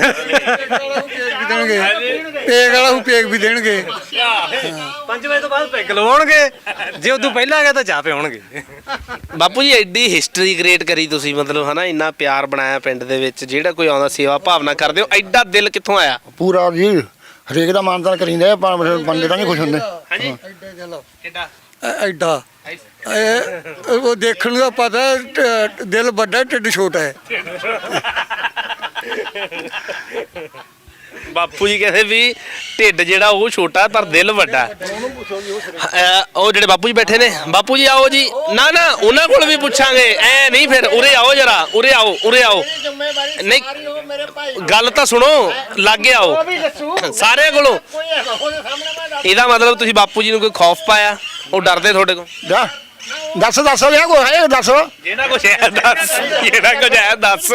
ਦੇਣਗੇ ਪੇਗ ਵਾਲਾ ਨੂੰ ਪੇਗ ਵੀ ਦੇਣਗੇ।
5 ਵਜੇ ਤੋਂ ਬਾਅਦ ਪੈਗ ਲਵਾਉਣਗੇ, ਜੇ ਉਦੋਂ ਪਹਿਲਾਂ ਆ ਗਿਆ ਤਾਂ ਚਾਹ ਪਿਆਉਣਗੇ।
ਬਾਪੂ ਜੀ ਐਡੀ ਹਿਸਟਰੀ ਕ੍ਰੀਏਟ ਕਰੀ ਤੁਸੀਂ, ਮਤਲਬ ਹਨਾ ਇੰਨਾ ਪਿਆਰ ਬਣਾਇਆ ਪਿੰਡ ਦੇ ਵਿੱਚ, ਜਿਹੜਾ ਕੋਈ ਆਉਂਦਾ ਸੇਵਾ ਭਾਵਨਾ ਕਰਦੇ ਹੋ, ਐਡਾ ਦਿਲ ਕਿੱਥੋਂ ਆਇਆ?
ਪੂਰਾ ਜੀ ਹਰੇਕ ਦਾ ਮਾਨਤਾਨ ਕਰੀਂਦਾ ਹੈ, ਬੰਦੇ ਤਾਂ ਨਹੀਂ ਖੁਸ਼ ਹੁੰਦੇ।
ਹਾਂਜੀ
ਕਿੱਡਾ
ਐਡਾ ਉਹ ਦੇਖਣ ਦਾ ਪਤਾ ਦਿਲ ਵੱਡਾ ਢਿੱਡ ਛੋਟਾ ਹੈ।
ਬਾਪੂ ਜੀ ਕਹਿੰਦੇ ਵੀ ਢਿੱਡ ਜਿਹੜਾ ਉਹ ਛੋਟਾ ਪਰ ਦਿਲ ਵੱਡਾ। ਉਹ ਜਿਹੜੇ ਬਾਪੂ ਜੀ ਬੈਠੇ ਨੇ, ਬਾਪੂ ਜੀ ਆਓ ਜੀ। ਨਾ ਨਾ ਉਹਨਾਂ ਕੋਲ ਵੀ ਪੁੱਛਾਂਗੇ, ਐ ਨਹੀਂ ਫਿਰ ਉਰੇ ਆਓ ਜਰਾ, ਉਰੇ ਆਓ ਨਹੀਂ ਗੱਲ ਤਾਂ ਸੁਣੋ, ਲਾਗੇ ਆਓ ਸਾਰਿਆਂ ਕੋਲੋਂ। ਇਹਦਾ ਮਤਲਬ ਤੁਸੀਂ ਬਾਪੂ ਜੀ ਨੂੰ ਕੋਈ ਖੌਫ ਪਾਇਆ, ਉਹ ਡਰਦੇ ਤੁਹਾਡੇ ਕੋਲ?
ਦੱਸ ਲਿਆ ਕੋਈ ਹੈ ਦੱਸ।
ਜਿਹੜਾ ਕੁਛ ਹੈ ਦੱਸ, ਜਿਹੜਾ ਕੁਛ ਹੈ ਦੱਸ।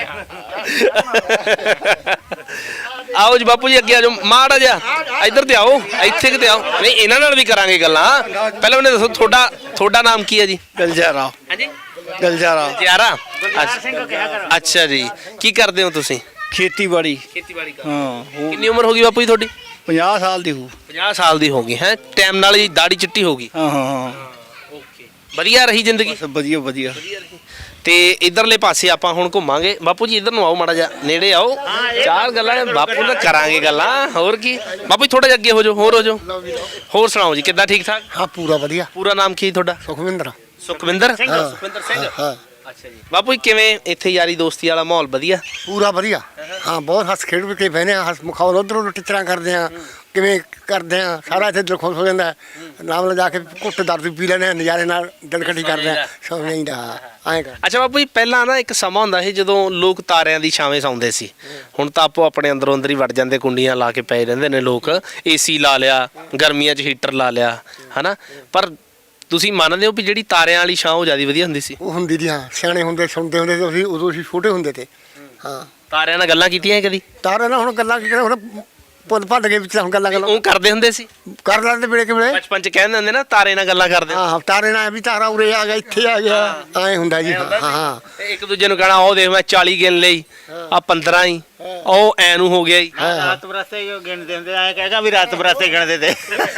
ਆਓ ਜੀ ਬਾਪੂ ਜੀ ਅੱਗੇ ਆ ਜਾਓ, ਮਾੜਾ ਜਿਹਾ ਇੱਧਰ ਤੇ ਆਓ, ਇੱਥੇ ਕਿਤੇ ਆਓ। ਨਹੀਂ ਇਹਨਾਂ ਨਾਲ ਵੀ ਕਰਾਂਗੇ ਗੱਲਾਂ, ਪਹਿਲਾਂ ਉਹਨੇ ਦੱਸੋ ਤੁਹਾਡਾ ਨਾਮ ਕੀ ਹੈ ਜੀ?
ਗਲਜਾਰਾ।
ਹਾਂਜੀ
ਗਲਜਾਰਾ
ਜਿਆਰਾ। ਅੱਛਾ ਜੀ, ਕੀ ਕਰਦੇ ਹੋ ਤੁਸੀਂ?
ਖੇਤੀਬਾੜੀ।
ਖੇਤੀਬਾੜੀ
ਹਾਂ
ਕਿੰਨੀ ਉਮਰ ਹੋ ਗਈ ਬਾਪੂ ਜੀ ਤੁਹਾਡੀ?
50 ਸਾਲ ਦੀ ਹੋ।
50 ਸਾਲ ਦੀ ਹੋ ਗਈ ਹੈ, ਟਾਈਮ ਨਾਲ ਹੀ ਦਾੜੀ ਚਿੱਟੀ ਹੋ ਗਈ।
ਹਾਂ
ਓਕੇ ਵਧੀਆ ਰਹੀ ਜ਼ਿੰਦਗੀ?
ਵਧੀਆ।
ਤੇ ਇਧਰਲੇ ਪਾਸੇ ਆਪਾਂ ਹੁਣ ਘੁੰਮਾਂਗੇ। ਬਾਪੂ ਜੀ ਇਧਰ ਨੂੰ ਆਓ, ਮਾੜਾ ਜਿਹਾ ਨੇੜੇ ਆਓ, ਚਾਰ ਗੱਲਾਂ ਬਾਪੂ ਨਾਲ ਕਰਾਂਗੇ ਗੱਲਾਂ, ਹੋਰ ਕੀ। ਬਾਪੂ ਜੀ ਥੋੜਾ ਜਿਹਾ ਅੱਗੇ ਹੋ ਜਾਓ, ਹੋਰ ਸੁਣਾਓ ਜੀ, ਕਿੱਦਾਂ ਠੀਕ ਠਾਕ?
ਹਾਂ ਪੂਰਾ ਵਧੀਆ।
ਪੂਰਾ ਨਾਮ ਕੀ ਤੁਹਾਡਾ?
ਸੁਖਵਿੰਦਰ।
ਸੁਖਵਿੰਦਰ ਸਿੰਘ।
ਹਾਂ
ਅੱਛਾ ਜੀ ਬਾਪੂ ਜੀ ਕਿਵੇਂ ਇੱਥੇ ਯਾਰੀ ਦੋਸਤੀ ਵਾਲਾ ਮਾਹੌਲ ਵਧੀਆ?
ਪੂਰਾ ਵਧੀਆ। ਹਾਂ ਬਹੁਤ ਹੱਸ ਖੇਡ ਵੀ ਕੇ ਬਹਿਨੇ ਆ, ਹੱਸ ਮਖੌਲ ਉਧਰੋਂ ਟਿਚਰਾਂ ਕਰਦੇ ਆ, ਕਿਵੇਂ ਕਰਦੇ ਆ, ਸਾਰਾ ਇੱਥੇ ਦਿਲ ਖੁਸ਼ ਹੋ ਜਾਂਦਾ। ਨਾਮ ਲਿਜਾ ਕੇ ਘੁੱਟ ਦਰਦ ਪੀ ਲੈਣੇ ਆ, ਨਜ਼ਾਰੇ ਨਾਲ ਦਿਲ ਇਕੱਠੀ ਕਰਦੇ ਆ, ਸੌਂ ਨਹੀਂ ਦਾ ਐਂ ਕਰ।
ਅੱਛਾ ਬਾਪੂ ਜੀ ਪਹਿਲਾਂ ਨਾ ਇੱਕ ਸਮਾਂ ਹੁੰਦਾ ਸੀ ਜਦੋਂ ਲੋਕ ਤਾਰਿਆਂ ਦੀ ਛਾਵੇਂ ਸੌਂਦੇ ਸੀ, ਹੁਣ ਤਾਂ ਆਪੋ ਆਪਣੇ ਅੰਦਰੋਂ ਅੰਦਰ ਹੀ ਵੜ ਜਾਂਦੇ, ਕੁੰਡੀਆਂ ਲਾ ਕੇ ਪਏ ਰਹਿੰਦੇ ਨੇ ਲੋਕ, ਏਸੀ ਲਾ ਲਿਆ, ਗਰਮੀਆਂ 'ਚ ਹੀਟਰ ਲਾ ਲਿਆ, ਹਨਾ। ਪਰ ਤੁਸੀਂ ਮੰਨਦੇ ਹੋ ਵੀ ਜਿਹੜੀ ਤਾਰਿਆਂ ਵਾਲੀ ਛਾਂ ਉਹ ਜ਼ਿਆਦਾ ਵਧੀਆ ਹੁੰਦੀ ਸੀ?
ਉਹ ਹੁੰਦੀ ਦੀ, ਹਾਂ ਸਿਆਣੇ ਹੁੰਦੇ ਸੁਣਦੇ ਹੁੰਦੇ ਤੇ ਅਸੀਂ ਉਦੋਂ ਅਸੀਂ ਛੋਟੇ ਹੁੰਦੇ ਤੇ। ਹਾਂ
ਤਾਰਿਆਂ ਨਾਲ ਗੱਲਾਂ ਕੀਤੀਆਂ ਕਦੀ?
ਤਾਰੇ ਨਾਲ ਹੁਣ ਗੱਲਾਂ ਕੀ ਕਰਾਂ, ਹੁਣ ਪੁੱਲ ਭੱਜ ਗਏ ਵਿੱਚ, ਹੁਣ ਗੱਲਾਂ
ਉਹ ਕਰਦੇ ਹੁੰਦੇ ਸੀ
ਕਰ ਲੈਂਦੇ ਵੇਲੇ ਕਿ ਵੇਲੇ।
ਬਚਪਨ 'ਚ ਕਹਿੰਦੇ ਹੁੰਦੇ ਨਾ ਤਾਰੇ ਨਾਲ ਗੱਲਾਂ ਕਰਦੇ।
ਹਾਂ ਤਾਰੇ ਨਾਲ ਵੀ ਤਾਰਾ ਉਰੇ ਆ ਗਿਆ, ਇੱਥੇ ਆ ਗਿਆ, ਐਂ ਹੁੰਦਾ ਜੀ। ਹਾਂ
ਤੇ ਇੱਕ ਦੂਜੇ ਨੂੰ ਕਹਿਣਾ ਉਹ ਦੇਖ ਮੈਂ 40 ਗਿਣ ਲਈ, ਆ 15 ਹੀ, ਉਹ ਐ ਨੂੰ ਹੋ ਗਿਆ ਹੀ।
ਰਾਤ ਬਰਾਸੇ ਗਿਣਦੇ ਹੁੰਦੇ, ਐਂ ਕਹੇਗਾ ਵੀ ਰਾਤ ਬਰਾਸੇ ਗਿਣਦੇ ਤੇ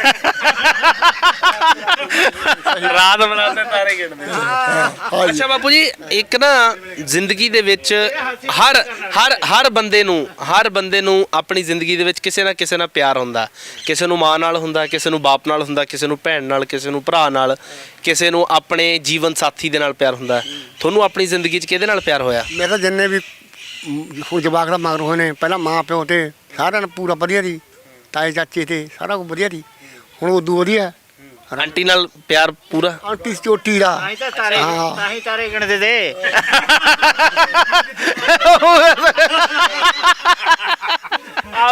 ਰਾਤ ਬਰਾਸੇ ਤਾਰੇ ਗਿਣਦੇ। ਅੱਛਾ ਬਾਪੂ ਜੀ ਇੱਕ ਨਾ ਜ਼ਿੰਦਗੀ ਦੇ ਵਿੱਚ ਹਰ ਬੰਦੇ ਨੂੰ ਆਪਣੀ ਜ਼ਿੰਦਗੀ ਦੇ ਵਿੱਚ ਕਿਸੇ ਨਾ ਕਿਸੇ ਨਾਲ ਪਿਆਰ ਹੁੰਦਾ। ਕਿਸੇ ਨੂੰ ਮਾਂ ਨਾਲ ਹੁੰਦਾ, ਕਿਸੇ ਨੂੰ ਬਾਪ ਨਾਲ ਹੁੰਦਾ, ਕਿਸੇ ਨੂੰ ਭੈਣ ਨਾਲ, ਕਿਸੇ ਨੂੰ ਭਰਾ ਨਾਲ, ਕਿਸੇ ਨੂੰ ਆਪਣੇ ਜੀਵਨ ਸਾਥੀ ਦੇ ਨਾਲ ਪਿਆਰ ਹੁੰਦਾ। ਤੁਹਾਨੂੰ ਆਪਣੀ ਜ਼ਿੰਦਗੀ 'ਚ ਕਿਹਦੇ ਨਾਲ ਪਿਆਰ ਹੋਇਆ?
ਮੇਰਾ ਜਿੰਨੇ ਵੀ ਹੁਣ ਜਵਾਕ ਦਾ ਮਗਰ ਹੋਏ ਨੇ, ਪਹਿਲਾਂ ਮਾਂ ਪਿਓ ਤੇ ਸਾਰਿਆਂ ਨੂੰ ਪੂਰਾ ਵਧੀਆ ਦੀ, ਤਾਏ ਚਾਚੇ ਤੇ ਸਾਰਾ ਕੁਝ ਵਧੀਆ ਦੀ। ਹੁਣ ਉਦੋਂ ਵਧੀਆ
ਆਂਟੀ ਨਾਲ ਪਿਆਰ ਪੂਰਾ?
ਆਂਟੀ ਚੋਟੀ ਦਾ।
ਤਾਂ ਹੀ ਤਾਰੇ ਗਿਣਦੇ ਤੇ।
ਆਹੋ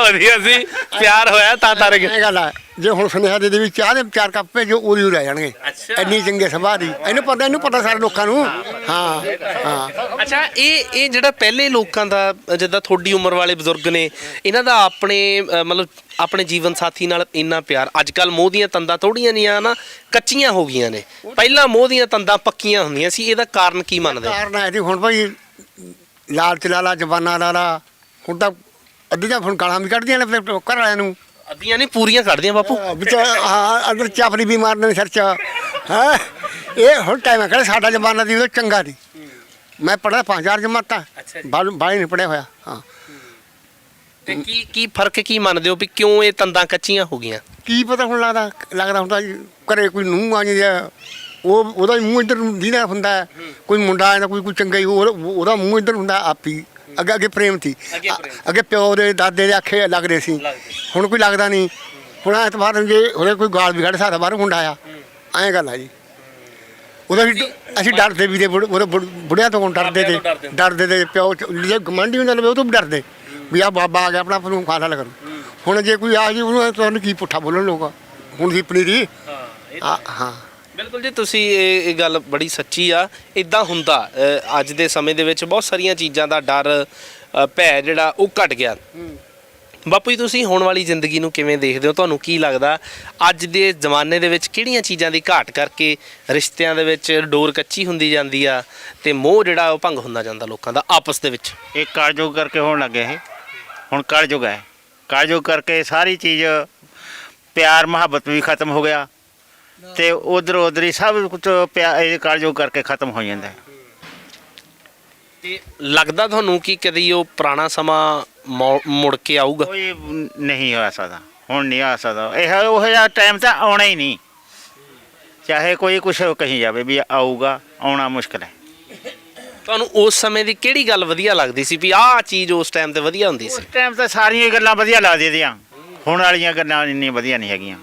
ਵਧੀਆ ਸੀ, ਪਿਆਰ ਹੋਇਆ ਤਾਂ ਤਰ ਗਏ।
ਇਹ ਗੱਲ ਆ, ਜੇ ਹੁਣ ਸੁਨੇਹਾ ਦੇ ਵੀ ਚਾਹ ਦੇ 4 ਕੱਪ ਭੇਜੋ ਉਹਦੀ ਰਹਿ ਜਾਣਗੇ।
ਅੱਛਾ।
ਇੰਨੀ ਚੰਗੇ ਸੁਭਾਅ ਦੀ, ਇਹਨੂੰ ਪਤਾ ਸਾਰੇ ਲੋਕਾਂ ਨੂੰ। ਹਾਂ ਹਾਂ।
ਅੱਛਾ, ਇਹ ਜਿਹੜਾ ਪਹਿਲੇ ਲੋਕਾਂ ਦਾ, ਜਿੱਦਾਂ ਤੁਹਾਡੀ ਉਮਰ ਵਾਲੇ ਬਜ਼ੁਰਗ ਨੇ, ਇਹਨਾਂ ਦਾ ਆਪਣੇ ਮਤਲਬ ਆਪਣੇ ਜੀਵਨ ਸਾਥੀ ਨਾਲ ਇੰਨਾ ਪਿਆਰ। ਅੱਜ ਕੱਲ ਮੋਹ ਦੀਆਂ ਤੰਦਾਂ ਥੋੜੀਆਂ ਨਹੀਂ ਆ ਨਾ, ਕੱਚੀਆਂ ਹੋ ਗਈਆਂ ਨੇ। ਪਹਿਲਾਂ ਮੋਹ ਦੀਆਂ ਤੰਦਾਂ ਪੱਕੀਆਂ ਹੁੰਦੀਆਂ ਸੀ। ਇਹਦਾ ਕਾਰਨ ਕੀ ਮੰਨਦੇ ਹੋ?
ਕਾਰਨ ਹੈ ਜੀ ਹੁਣ ਭਾਈ ਲਾਲਚ ਲਾਲਾ ਜਵਾਨਾ ਲਾਲਾ, ਹੁਣ ਤਾਂ ਅੱਧੀਆਂ ਹੁਣ ਗਾਲਾਂ ਵੀ ਕੱਢਦੀਆਂ ਨੇ ਆਪਣੇ ਘਰ ਵਾਲਿਆਂ ਨੂੰ।
ਅੱਧੀਆਂ ਨਹੀਂ, ਪੂਰੀਆਂ ਕੱਢਦੀਆਂ ਬਾਪੂ।
ਵਿੱਚ ਹਾਂ ਅੰਦਰ ਚਾਪੜੀ ਵੀ ਮਾਰਦੇ ਨੇ ਸਿਰ 'ਚ। ਹੈ ਇਹ ਹੁਣ ਟਾਈਮ ਹੈ, ਕਹਿੰਦੇ ਸਾਡਾ ਜ਼ਮਾਨਾ ਦੀ ਉਹ ਚੰਗਾ ਸੀ। ਮੈਂ ਪੜ੍ਹਿਆ 5-4 ਜਮਾਤਾਂ, ਬਾਹਲੀ ਨਹੀਂ ਪੜ੍ਹਿਆ ਹੋਇਆ। ਹਾਂ
ਤੇ ਕੀ ਫਰਕ ਕੀ ਮੰਨਦੇ ਹੋ ਵੀ ਕਿਉਂ ਇਹ ਤੰਦਾਂ ਕੱਚੀਆਂ ਹੋ ਗਈਆਂ?
ਕੀ ਪਤਾ ਹੁਣ ਲੱਗਦਾ ਹੁੰਦਾ ਜੀ, ਘਰੇ ਕੋਈ ਨੂੰਹ ਆ ਜਾਂਦੀ ਆ, ਉਹਦਾ ਮੂੰਹ ਇੱਧਰ ਨੂੰ ਦੀਦਾ ਹੁੰਦਾ। ਕੋਈ ਮੁੰਡਾ ਆ ਜਾਂਦਾ, ਕੋਈ ਚੰਗਾ ਹੀ, ਉਹਦਾ ਮੂੰਹ ਇੱਧਰ ਹੁੰਦਾ ਆਪ ਹੀ। ਅੱਗੇ ਪ੍ਰੇਮ ਸੀ, ਅੱਗੇ ਪਿਓ ਦੇ ਦਾਦੇ ਦੇ ਆਖੇ ਲੱਗਦੇ ਸੀ, ਹੁਣ ਕੋਈ ਲੱਗਦਾ ਨਹੀਂ। ਹੁਣ ਐਤਵਾਰ ਜੇ ਉਹਦੇ ਕੋਈ ਗਾਲ ਵੀ ਕੱਢ ਸਕਦਾ ਬਾਹਰ ਮੁੰਡਾ ਆ, ਐਂ ਗੱਲ ਆ ਜੀ। ਉਹਦਾ ਵੀ ਅਸੀਂ ਡਰਦੇ ਵੀ ਤੇ ਉਹਦੇ ਬੁੜਿਆਂ ਤੋਂ ਡਰਦੇ ਤੇ ਪਿਓ ਜੇ ਗਵਾਂਢੀ ਹੁੰਦਾ ਲਵੇ ਉਹ ਤੋਂ ਵੀ ਡਰਦੇ ਵੀ ਆ ਬਾਬਾ ਆ ਗਿਆ ਆਪਣਾ ਆਪ ਨੂੰ ਖਾਣਾ ਕਰੂ। ਹੁਣ ਜੇ ਕੋਈ ਆ ਜੀ ਉਹਨੂੰ ਤੁਹਾਨੂੰ ਕੀ ਪੁੱਠਾ ਬੋਲਣ ਲੋਕ ਹੁਣ ਦੀ ਪਨੀਰੀ। ਹਾਂ
ਬਿਲਕੁਲ ਜੀ, ਤੁਸੀਂ ਇਹ ਗੱਲ ਬੜੀ ਸੱਚੀ ਆ। ਇਦਾਂ ਹੁੰਦਾ ਅੱਜ ਦੇ ਸਮੇਂ ਦੇ ਵਿੱਚ ਬਹੁਤ ਸਾਰੀਆਂ ਚੀਜ਼ਾਂ ਦਾ ਡਰ ਭੈ ਜਿਹੜਾ ਉਹ ਘਟ ਗਿਆ। ਬਾਪੂ ਜੀ, ਤੁਸੀਂ ਹੁਣ ਵਾਲੀ ਜ਼ਿੰਦਗੀ ਨੂੰ ਕਿਵੇਂ ਦੇਖਦੇ ਹੋ? ਤੁਹਾਨੂੰ ਕੀ ਲੱਗਦਾ ਅੱਜ ਦੇ ਜ਼ਮਾਨੇ ਦੇ ਵਿੱਚ ਕਿਹੜੀਆਂ ਚੀਜ਼ਾਂ ਦੀ ਘਾਟ ਕਰਕੇ ਰਿਸ਼ਤਿਆਂ ਦੇ ਵਿੱਚ ਡੋਰ ਕੱਚੀ ਹੁੰਦੀ ਜਾਂਦੀ ਆ ਤੇ ਮੋਹ ਜਿਹੜਾ ਉਹ ਭੰਗ ਹੁੰਦਾ ਜਾਂਦਾ ਲੋਕਾਂ ਦਾ ਆਪਸ ਦੇ ਵਿੱਚ?
ਇਹ ਕਲਯੁਗ ਕਰਕੇ ਹੋਣ ਲੱਗੇ। ਇਹ ਹੁਣ ਕਲਯੁਗ ਹੈ, ਕਲਯੁਗ ਕਰਕੇ ਸਾਰੀ ਚੀਜ਼, ਪਿਆਰ ਮੁਹੱਬਤ ਵੀ ਖਤਮ ਹੋ ਗਿਆ ਤੇ ਉਧਰ ਹੀ ਸਭ ਕੁਝ ਇਹ ਕਲਯੁਗ ਕਰਕੇ ਖਤਮ ਹੋ ਜਾਂਦਾ।
ਤੇ ਲੱਗਦਾ ਤੁਹਾਨੂੰ ਕਿ ਕਦੀ ਉਹ ਪੁਰਾਣਾ ਸਮਾਂ ਮੁੜ ਕੇ ਆਊਗਾ?
ਕੋਈ ਨਹੀਂ ਆ ਸਕਦਾ, ਹੁਣ ਨਹੀਂ ਆ ਸਕਦਾ। ਇਹ ਉਹ ਜਿਹਾ ਟਾਈਮ ਤਾਂ ਆਉਣਾ ਹੀ ਨਹੀਂ, ਚਾਹੇ ਕੋਈ ਕੁਛ ਕਹੀ ਜਾਵੇ ਵੀ ਆਊਗਾ, ਆਉਣਾ ਮੁਸ਼ਕਿਲ ਹੈ।
ਤੁਹਾਨੂੰ ਉਸ ਸਮੇਂ ਦੀ ਕਿਹੜੀ ਗੱਲ ਵਧੀਆ ਲੱਗਦੀ ਸੀ ਵੀ ਆਹ ਚੀਜ਼ ਉਸ ਟਾਈਮ ਤੇ ਵਧੀਆ ਹੁੰਦੀ ਸੀ?
ਉਸ ਟਾਈਮ ਤਾਂ ਸਾਰੀਆਂ ਗੱਲਾਂ ਵਧੀਆ ਲੱਗਦੀਆਂ ਦੀਆਂ, ਹੁਣ ਵਾਲੀਆਂ ਗੱਲਾਂ ਇੰਨੀਆਂ ਵਧੀਆ ਨਹੀਂ ਹੈਗੀਆਂ।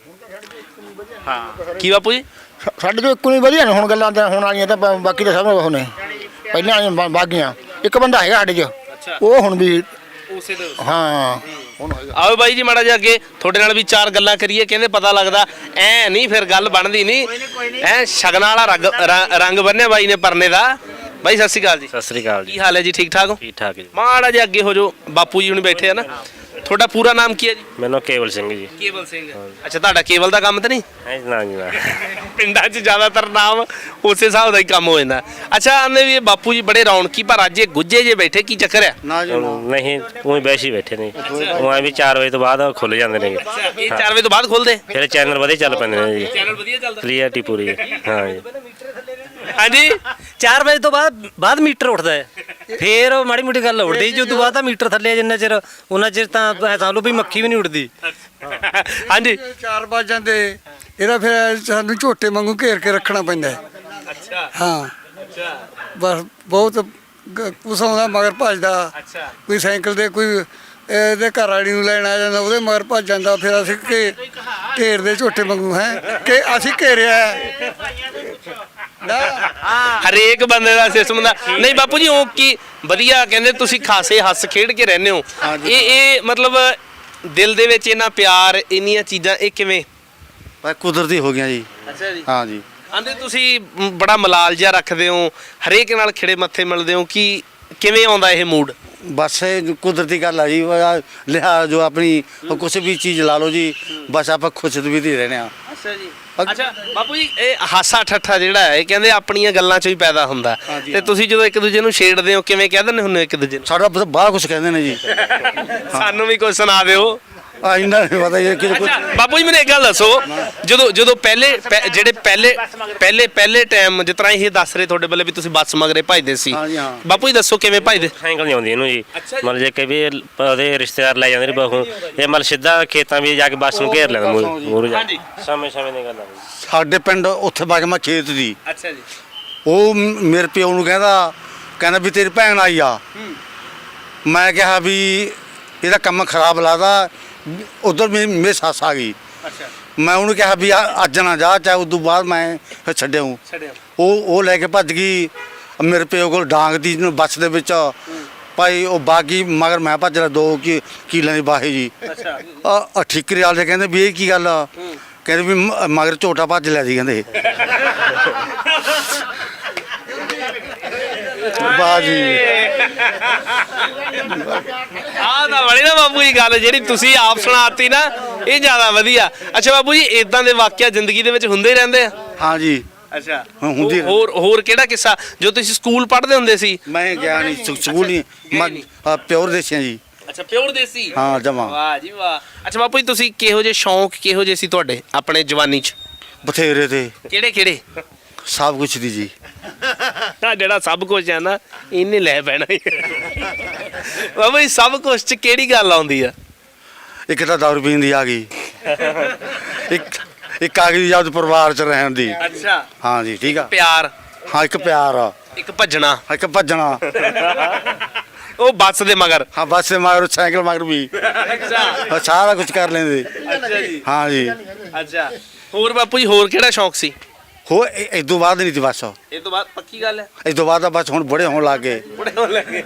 ਹਾਂ
ਕੀ ਬਾਪੂ ਜੀ?
ਸਾਡੇ ਤੋਂ ਇੱਕੋ ਨਹੀਂ ਵਧੀਆ ਨੇ ਹੁਣ ਗੱਲਾਂ ਤਾਂ ਹੁਣ ਵਾਲੀਆਂ, ਤਾਂ ਬਾਕੀ ਤਾਂ ਸਭ ਉਹ ਨੇ ਪਹਿਲਾਂ ਵਾਲੀਆਂ ਬਾਗੀਆਂ। ਇੱਕ ਬੰਦਾ ਹੈਗਾ ਸਾਡੇ 'ਚ, ਉਹ ਹੁਣ ਵੀ
ਉਸੇ ਦੇ
ਹਾਂ ਹੁਣ
ਆਓ ਬਾਈ ਜੀ, ਮਾੜਾ ਜਿਹਾ ਅੱਗੇ ਤੁਹਾਡੇ ਨਾਲ ਵੀ 4 ਗੱਲਾਂ ਕਰੀਏ। ਕਹਿੰਦੇ ਪਤਾ ਲੱਗਦਾ ਐ ਨਹੀਂ, ਫਿਰ ਗੱਲ ਬਣਦੀ ਨਹੀਂ। ਐ ਸ਼ਗਨਾਂ ਵਾਲਾ ਰੰਗ ਬੰਨਿਆ ਬਾਈ ਨੇ ਪਰਨੇ ਦਾ। ਬਾਈ ਸਤਿ ਸ਼੍ਰੀ ਅਕਾਲ ਜੀ।
ਸਤਿ ਸ੍ਰੀ ਅਕਾਲ ਜੀ।
ਕੀ ਹਾਲ ਹੈ ਜੀ? ਠੀਕ ਠਾਕ ਹੋ?
ਠੀਕ ਠਾਕ ਜੀ।
ਮਾੜਾ ਜਿਹਾ ਅੱਗੇ ਹੋ ਜੋ, ਬਾਪੂ ਜੀ ਹੁਣ ਬੈਠੇ ਆ ਨਾ। ਤੁਹਾਡਾ ਪੂਰਾ ਨਾਮ ਕੀ ਹੈ ਜੀ?
ਮੈਨੂੰ ਕੇਵਲ ਸਿੰਘ ਜੀ।
ਕੇਵਲ ਸਿੰਘ। ਅੱਛਾ, ਤੁਹਾਡਾ ਕੇਵਲ ਦਾ ਕੰਮ ਤਾਂ ਨਹੀਂ?
ਹੈ ਨਾ ਜੀ ਨਾ।
ਪਿੰਡਾਂ 'ਚ ਜ਼ਿਆਦਾਤਰ ਨਾਮ ਉਸੇ ਹਿਸਾਬ ਦਾ ਹੀ ਕੰਮ ਹੋ ਜਾਂਦਾ। ਅੱਛਾ, ਆਂਦੇ ਵੀ ਇਹ ਬਾਪੂ ਜੀ ਬੜੇ ਰੌਣਕੀ, ਪਰ ਅੱਜ ਇਹ ਗੁੱਜੇ ਜੇ ਬੈਠੇ, ਕੀ ਚੱਕਰ ਆ?
ਨਹੀਂ, ਉਹੀ ਵੈਸੇ ਹੀ ਬੈਠੇ ਨੇ। ਉਹ ਐ ਵੀ 4 ਵਜੇ ਤੋਂ ਬਾਅਦ ਖੁੱਲ ਜਾਂਦੇ ਨੇ।
ਇਹ 4 ਵਜੇ ਤੋਂ ਬਾਅਦ ਖੁੱਲਦੇ?
ਫਿਰ ਚੈਨਲ ਵਧੀਆ ਚੱਲ ਪੈਂਦੇ ਨੇ ਜੀ।
ਚੈਨਲ ਵਧੀਆ ਚੱਲਦਾ?
ਕਲੀਅਰਟੀ ਪੂਰੀ। ਹਾਂ ਜੀ।
ਹਾਂਜੀ,
4 ਵਜੇ ਤੋਂ ਬਾਅਦ ਮੀਟਰ ਉੱਠਦਾ ਹੈ, ਫੇਰ ਮਾੜੀ ਮੋਟੀ ਗੱਲ ਉੱਠਦੀ ਜੀ। ਉਦੋਂ ਬਾਅਦ ਤਾਂ ਮੀਟਰ ਥੱਲੇ ਜਿੰਨਾ ਚਿਰ ਉਹਨਾਂ ਚਿਰ ਤਾਂ ਸਮਝ ਲਓ ਵੀ ਮੱਖੀ ਵੀ ਨਹੀਂ ਉੱਡਦੀ।
ਹਾਂਜੀ।
4 ਵਜ ਜਾਂਦੇ, ਇਹਦਾ ਫਿਰ ਸਾਨੂੰ ਝੋਟੇ ਵਾਂਗੂ ਘੇਰ ਕੇ ਰੱਖਣਾ ਪੈਂਦਾ ਹੈ।
ਅੱਛਾ
ਹਾਂ
ਅੱਛਾ
ਬਸ ਬਹੁਤ ਕੁਛ ਆਉਂਦਾ ਮਗਰ ਭੱਜਦਾ।
ਅੱਛਾ।
ਕੋਈ ਸਾਈਕਲ ਤੇ, ਕੋਈ ਇਹਦੇ ਘਰ ਵਾਲੀ ਨੂੰ ਲੈਣ ਆ ਜਾਂਦਾ, ਉਹਦੇ ਮਗਰ ਭੱਜ ਜਾਂਦਾ। ਫਿਰ ਅਸੀਂ ਘੇਰਦੇ ਝੋਟੇ ਵਾਂਗੂ ਹੈ ਕਿ ਅਸੀਂ ਘੇਰਿਆ ਹੈ। ਨਾ
ਹਰੇਕ ਬੰਦੇ ਦਾ ਸਿਸਟਮ ਦਾ ਨਹੀਂ ਬਾਪੂ ਜੀ। ਉਹ ਕੀ ਵਧੀਆ ਕਹਿੰਦੇ ਤੁਸੀਂ ਖਾਸੇ ਹੱਸ ਖੇਡ ਕੇ ਰਹਿੰਦੇ ਹੋ। ਇਹ ਮਤਲਬ ਦਿਲ ਦੇ ਵਿੱਚ ਇਹਨਾਂ ਪਿਆਰ, ਇੰਨੀਆਂ ਚੀਜ਼ਾਂ, ਇਹ ਕਿਵੇਂ?
ਪਰ ਕੁਦਰਤੀ ਹੋ ਗਈਆਂ ਜੀ।
ਅੱਛਾ ਜੀ।
ਹਾਂ ਜੀ।
ਆਂਦੇ ਤੁਸੀਂ ਬੜਾ ਮਲਾਲ ਜਿਹਾ ਰੱਖਦੇ ਹੋ, ਹਰੇਕ ਨਾਲ ਖਿੜੇ ਮੱਥੇ ਮਿਲਦੇ ਹੋ, ਕਿ ਕਿਵੇਂ ਆਉਂਦਾ ਇਹ ਮੂਡ?
ਬਸ ਇਹ ਕੁਦਰਤੀ ਗੱਲ ਆ ਜੀ। ਲਿਆ ਜੋ ਆਪਣੀ ਕੁਛ ਵੀ ਚੀਜ਼ ਲਾ ਲਓ ਜੀ, ਬਸ ਆਪਾਂ ਖੁਸ਼ ਵੀ ਦੇ ਰਹਿੰਦੇ ਆ।
ਅੱਛਾ ਜੀ। ਅੱਛਾ ਬਾਪੂ ਜੀ, ਇਹ ਹਾਸਾ ਠੱਠਾ ਜਿਹੜਾ ਹੈ, ਇਹ ਕਹਿੰਦੇ ਆਪਣੀਆਂ ਗੱਲਾਂ 'ਚੋਂ ਹੀ ਪੈਦਾ ਹੁੰਦਾ। ਤੇ ਤੁਸੀਂ ਜਦੋਂ ਇੱਕ ਦੂਜੇ ਨੂੰ ਛੇੜਦੇ ਹੋ, ਕਿਵੇਂ ਕਹਿ ਦਿੰਦੇ ਹੁੰਦੇ ਇੱਕ ਦੂਜੇ ਨੂੰ?
ਸਾਡਾ ਬਾਹਰ ਕੁਛ ਕਹਿੰਦੇ ਨੇ ਜੀ।
ਸਾਨੂੰ ਵੀ ਕੁਝ ਸੁਣਾ ਦਿਓ।
ਆ ਇਹਨਾਂ ਨੂੰ ਪਤਾ ਜੀ ਕਿ ਕੁਝ।
ਬਾਪੂ ਜੀ ਮੈਨੂੰ ਇੱਕ ਗੱਲ ਦੱਸੋ, ਜਦੋਂ ਪਹਿਲੇ ਟਾਈਮ ਜਿਸ ਤਰ੍ਹਾਂ ਇਹ ਦੱਸ ਰਹੇ ਤੁਹਾਡੇ ਵੱਲੇ ਵੀ ਤੁਸੀਂ ਬੱਸ ਮਗਰੇ ਭਜਦੇ ਸੀ,
ਹਾਂ ਜੀ, ਹਾਂ।
ਬਾਪੂ ਜੀ ਦੱਸੋ ਕਿਵੇਂ ਭਜਦੇ?
ਸਾਈਕਲ ਨਹੀਂ ਆਉਂਦੀ ਇਹਨੂੰ ਜੀ। ਮਤਲਬ ਜੇ ਕਈ ਉਹਦੇ ਰਿਸ਼ਤੇਦਾਰ ਲੈ ਜਾਂਦੇ ਨੇ ਬਹੂ, ਇਹ ਮਤਲਬ ਸਿੱਧਾ ਖੇਤਾਂ ਵਿੱਚ ਜਾ ਕੇ ਬੱਸ ਨੂੰ ਘੇਰ ਲੈਂਦਾ ਮੂਹਰੇ ਜਾ ਕੇ। ਸਮੇਂ ਦੀ ਗੱਲ ਆ ਜੀ।
ਸਾਡੇ ਪਿੰਡ ਉੱਥੇ ਬਾਗਮਾ ਖੇਤ ਦੀ,
ਅੱਛਾ ਜੀ।
ਉਹ ਮੇਰੇ ਪਿਓ ਨੂੰ ਕਹਿੰਦਾ ਵੀ ਤੇਰੀ ਭੈਣ ਆਈ ਆ। ਮੈਂ ਕਿਹਾ ਵੀ ਇਹਦਾ ਕੰਮ ਖਰਾਬ ਲੱਗਦਾ। ਉਧਰ ਮੇਰੀ ਸੱਸ ਆ ਗਈ।
ਅੱਛਾ।
ਮੈਂ ਉਹਨੂੰ ਕਿਹਾ ਵੀ ਅੱਜ ਨਾ ਜਾ, ਚਾਹੇ ਉਦੋਂ ਬਾਅਦ ਮੈਂ ਛੱਡਿਆ। ਉਹ ਲੈ ਕੇ ਭੱਜ ਗਈ ਮੇਰੇ ਪਿਓ ਕੋਲ ਡਾਂਗ ਦੀ ਬੱਸ ਦੇ ਵਿੱਚ। ਭਾਈ ਉਹ ਬਾਗੀ ਮਗਰ ਮੈਂ ਭੱਜ ਲਿਆ 2 ਕਿੱਲਿਆਂ ਦੀ ਬਾਹੀ ਜੀ।
ਅੱਛਾ
ਆ ਠਿਕਰੀ ਵਾਲੇ ਕਹਿੰਦੇ ਵੀ ਇਹ ਕੀ ਗੱਲ ਆ, ਕਹਿੰਦੇ ਵੀ ਮਗਰ ਝੋਟਾ ਭੱਜ ਲਿਆ ਸੀ ਕਹਿੰਦੇ। ਵਾਹ ਜੀ।
ਆਹ ਤਾਂ ਬੜੀ ਨਾ ਬਾਪੂ ਜੀ ਗੱਲ ਜਿਹੜੀ ਤੁਸੀਂ ਆਪ ਸੁਣਾਤੀ ਨਾ, ਇਹ ਜ਼ਿਆਦਾ ਵਧੀਆ। ਅੱਛਾ ਬਾਪੂ ਜੀ, ਇਦਾਂ ਦੇ ਵਾਕਿਆ ਜ਼ਿੰਦਗੀ ਦੇ ਵਿੱਚ ਹੁੰਦੇ ਹੀ ਰਹਿੰਦੇ ਆ?
ਹਾਂ ਜੀ।
ਅੱਛਾ
ਹਾਂ, ਹੁੰਦੀ
ਹੋਰ ਕਿਹੜਾ ਕਿੱਸਾ ਜੋ ਤੁਸੀਂ ਸਕੂਲ ਪੜ੍ਹਦੇ ਹੁੰਦੇ ਸੀ?
ਮੈਂ ਗਿਆ ਨਹੀਂ ਸਕੂਲ ਨਹੀਂ, ਮੈਂ ਪਿਓਰ ਦੇਸੀਆਂ ਜੀ।
ਅੱਛਾ ਪਿਓਰ ਦੇਸੀ।
ਹਾਂ ਜਮਾ।
ਵਾਹ ਜੀ ਵਾਹ। ਅੱਛਾ ਬਾਪੂ ਜੀ, ਤੁਸੀਂ ਕਿਹੋ ਜਿਹੇ ਸ਼ੌਂਕ ਕਿਹੋ ਜਿਹੇ ਸੀ ਤੁਹਾਡੇ ਆਪਣੇ ਜਵਾਨੀ 'ਚ?
ਬਥੇਰੇ ਤੇ
ਕਿਹੜੇ ਕਿਹੜੇ?
ਸਭ ਕੁਛ ਦੀ ਜੀ।
ਆ ਜਿਹੜਾ ਸਭ ਕੁਝ ਹੈ ਨਾ, ਇਹਨੇ ਲੈ ਪੈਣਾ ਬਾਬਾ ਜੀ। ਸਭ ਕੁਝ 'ਚ ਕਿਹੜੀ ਗੱਲ ਆਉਂਦੀ ਆ?
ਇੱਕ ਤਾਂ ਦਾਰੂ ਪੀਣ ਦੀ ਆ ਗਈ, ਇੱਕ ਆ ਗਈ ਜਦ ਪਰਿਵਾਰ ਚ ਰਹਿਣ ਦੀ।
ਅੱਛਾ
ਹਾਂ ਜੀ ਠੀਕ ਆ।
ਪਿਆਰ।
ਹਾਂ ਇੱਕ ਪਿਆਰ ਆ,
ਇੱਕ ਭੱਜਣਾ।
ਇੱਕ ਭੱਜਣਾ।
ਉਹ ਬੱਸ ਦੇ ਮਗਰ।
ਹਾਂ ਬੱਸ ਦੇ ਮਗਰ, ਸਾਈਕਲ ਮਗਰ ਵੀ
ਅੱਛਾ
ਸਾਰਾ ਕੁਝ ਕਰ ਲੈਂਦੇ।
ਅੱਛਾ ਜੀ।
ਹਾਂ ਜੀ।
ਅੱਛਾ ਹੋਰ ਬਾਪੂ ਜੀ, ਹੋਰ ਕਿਹੜਾ ਸ਼ੌਂਕ ਸੀ?
ਹੋ ਇਸ ਤੋਂ ਬਾਅਦ ਨਹੀਂ ਸੀ ਬਸ।
ਇਹ ਤੋਂ ਬਾਅਦ ਪੱਕੀ ਗੱਲ ਹੈ?
ਇਸ ਤੋਂ ਬਾਅਦ ਤਾਂ ਬਸ ਹੁਣ ਬੜੇ ਹੋਣ ਲੱਗ ਗਏ।
ਬੁੜੇ ਹੋਣ ਲੱਗੇ।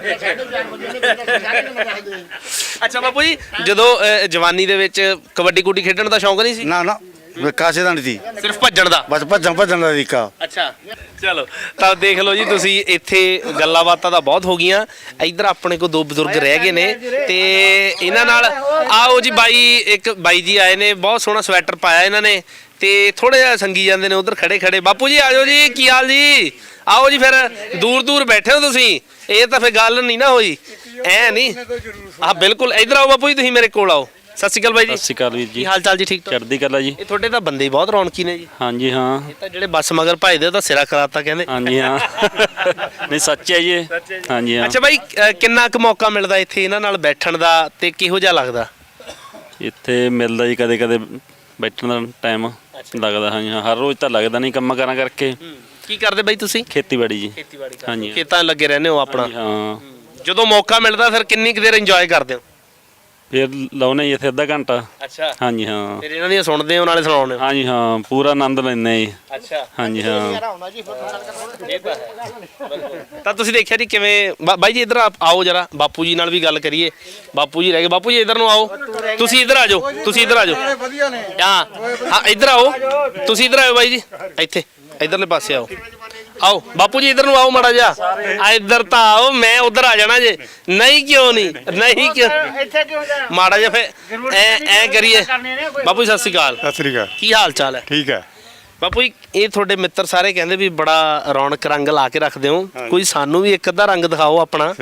ਅੱਛਾ ਬਾਪੂ ਜੀ, ਜਦੋਂ ਜਵਾਨੀ ਦੇ ਵਿੱਚ ਕਬੱਡੀ ਕੁੱਡੀ ਖੇਡਣ ਦਾ ਸ਼ੌਂਕ ਨਹੀਂ ਸੀ?
ਨਾ ਨਾ ਕਾਸੇ ਦਾ ਨਹੀਂ ਸੀ,
ਸਿਰਫ ਭੱਜਣ ਦਾ?
ਬਸ ਭੱਜਣ ਦਾ ਤਰੀਕਾ।
ਅੱਛਾ ਚਲੋ, ਤਾਂ ਦੇਖ ਲਓ ਜੀ ਤੁਸੀਂ, ਇੱਥੇ ਗੱਲਾਂ ਬਾਤਾਂ ਤਾਂ ਬਹੁਤ ਹੋ ਗਈਆਂ। ਇੱਧਰ ਆਪਣੇ ਕੋਲ 2 ਬਜ਼ੁਰਗ ਰਹਿ ਗਏ ਨੇ ਤੇ ਇਹਨਾਂ ਨਾਲ ਆਓ ਜੀ। ਇੱਕ ਬਾਈ ਜੀ ਆਏ ਨੇ, ਬਹੁਤ ਸੋਹਣਾ ਸਵੈਟਰ ਪਾਇਆ ਇਹਨਾਂ ਨੇ ਤੇ ਥੋੜਾ ਜਿਹਾ ਸੰਗੀ ਜਾਂਦੇ ਨੇ ਉਧਰ ਖੜੇ ਖੜੇ। ਬਾਪੂ ਜੀ ਆਜੋ ਜੀ, ਕੀ ਹਾਲ ਜੀ? ਆਓ ਜੀ। ਫਿਰ ਦੂਰ ਦੂਰ ਬੈਠੇ ਹੋ ਤੁਸੀਂ, ਇਹ ਤਾਂ ਫਿਰ ਗੱਲ ਨਹੀਂ ਨਾ ਹੋਈ, ਐ ਨਹੀਂ। ਹਾਂ ਬਿਲਕੁਲ, ਇੱਧਰ ਆਓ ਬਾਪੂ ਜੀ, ਤੁਸੀਂ ਮੇਰੇ ਕੋਲ ਆਓ। ਸਤਿ ਸ਼੍ਰੀ ਅਕਾਲ ਬਾਈ ਜੀ।
ਸਤਿ ਸ਼੍ਰੀ ਅਕਾਲ ਵੀਰ
ਕੀ
ਜੀ।
ਹਾਲ ਚਾਲ ਜੀ? ਠੀਕ ਠਾਕ?
ਚੜ੍ਹਦੀ ਕਲਾ ਜੀ।
ਇਹ ਤੁਹਾਡੇ ਤਾਂ ਬੰਦੇ ਹੀ ਬਹੁਤ ਰੌਣਕੀ ਨੇ ਜੀ।
ਹਾਂਜੀ ਹਾਂ।
ਇਹ ਤਾਂ ਜਿਹੜੇ ਬੱਸ ਮਗਰ ਭਜਦੇ ਉਹ ਤਾਂ ਸਿਰਾ ਕਰਾਤਾ ਕਹਿੰਦੇ।
ਹਾਂਜੀ ਹਾਂ। ਨਹੀਂ ਸੱਚ ਹੈ ਜੀ ਇਹ। ਹਾਂਜੀ ਹਾਂ।
ਅੱਛਾ ਬਾਈ, ਕਿੰਨਾ ਕੁ ਮੌਕਾ ਮਿਲਦਾ ਇੱਥੇ ਇਹਨਾਂ ਨਾਲ ਬੈਠਣ ਦਾ ਤੇ ਕਿਹੋ ਜਿਹਾ ਲੱਗਦਾ?
ਇੱਥੇ ਮਿਲਦਾ ਜੀ ਕਦੇ ਕਦੇ ਬੈਠਣ ਦਾ ਟਾਈਮ ਲੱਗਦਾ। ਹਾਂਜੀ ਹਾਂ, ਹਰ ਰੋਜ਼ ਤਾਂ ਲੱਗਦਾ ਨਹੀਂ ਕੰਮਾਂ ਕਾਰਾਂ ਕਰਕੇ।
ਕੀ ਕਰਦੇ ਬਾਈ ਤੁਸੀਂ?
ਖੇਤੀਬਾੜੀ ਜੀ।
ਖੇਤੀਬਾੜੀ
ਹਾਂਜੀ ਹਾਂ।
ਖੇਤਾਂ 'ਚ ਲੱਗੇ ਰਹਿੰਦੇ ਹੋ ਆਪਣਾ?
ਹਾਂਜੀ ਹਾਂ।
ਜਦੋਂ ਮੌਕਾ ਮਿਲਦਾ ਫਿਰ ਕਿੰਨੀ ਕੁ ਦੇਰ ਇੰਜੋਏ ਕਰਦੇ ਹੋ?
ਫਿਰ ਲਾਉਨੇ ਜੀ ਇੱਥੇ ਅੱਧਾ ਘੰਟਾ।
ਅੱਛਾ
ਹਾਂਜੀ ਹਾਂ।
ਫਿਰ ਇਹਨਾਂ ਦੀਆਂ ਸੁਣਦੇ ਹੋ ਨਾਲੇ ਸੁਣਾਉਂਦੇ ਹੋ?
ਹਾਂਜੀ ਹਾਂ, ਪੂਰਾ ਆਨੰਦ ਲੈਂਦੇ ਜੀ।
ਅੱਛਾ
ਹਾਂਜੀ ਹਾਂ।
ਇਹ ਤਾਂ ਹੈ। ਤਾਂ ਤੁਸੀਂ ਦੇਖਿਆ ਜੀ ਕਿਵੇਂ ਬਾਈ ਜੀ, ਇੱਧਰ ਆਓ ਜਰਾ, ਬਾਪੂ ਜੀ ਨਾਲ ਵੀ ਗੱਲ ਕਰੀਏ। ਬਾਪੂ ਜੀ ਰਹਿ ਗਏ। ਬਾਪੂ ਜੀ ਇੱਧਰ ਨੂੰ ਆਓ, ਤੁਸੀਂ ਇੱਧਰ ਆ ਜਾਓ, ਤੁਸੀਂ ਇੱਧਰ ਆ ਜਾਓ। ਹਾਂ ਹਾਂ, ਇੱਧਰ ਆਓ, ਤੁਸੀਂ ਇੱਧਰ ਆਓ ਬਾਈ ਜੀ, ਇੱਥੇ ਇੱਧਰਲੇ ਪਾਸੇ ਆਓ। ਆਓ ਬਾਪੂ ਜੀ, ਇੱਧਰ ਨੂੰ ਆਓ ਮਾੜਾ ਜਿਹਾ। ਆ ਇੱਧਰ ਤਾਂ ਆਓ, ਮੈਂ ਉੱਧਰ ਆ ਜਾਣਾ ਜੇ। ਨਹੀਂ ਕਿਉਂ ਨਹੀਂ? ਨਹੀਂ ਕਿਉਂ? ਮਾੜਾ ਜਿਹਾ ਫੇ ਐ ਕਰੀਏ। ਬਾਪੂ ਜੀ ਸਤਿ ਸ਼੍ਰੀ ਅਕਾਲ।
ਸਤਿ ਸ੍ਰੀ ਅਕਾਲ।
ਕੀ ਹਾਲ ਚਾਲ ਹੈ?
ਠੀਕ ਹੈ।
ਬਾਪੂ ਜੀ, ਇਹ ਤੁਹਾਡੇ ਮਿੱਤਰ ਸਾਰੇ ਕਹਿੰਦੇ ਵੀ ਬੜਾ ਰੌਣਕ ਰੰਗ ਲਾ ਕੇ ਰੱਖਦੇ ਹੋ, ਕੋਈ ਸਾਨੂੰ ਵੀ ਇੱਕ ਅੱਧਾ ਰੰਗ ਦਿਖਾਓ ਆਪਣਾ।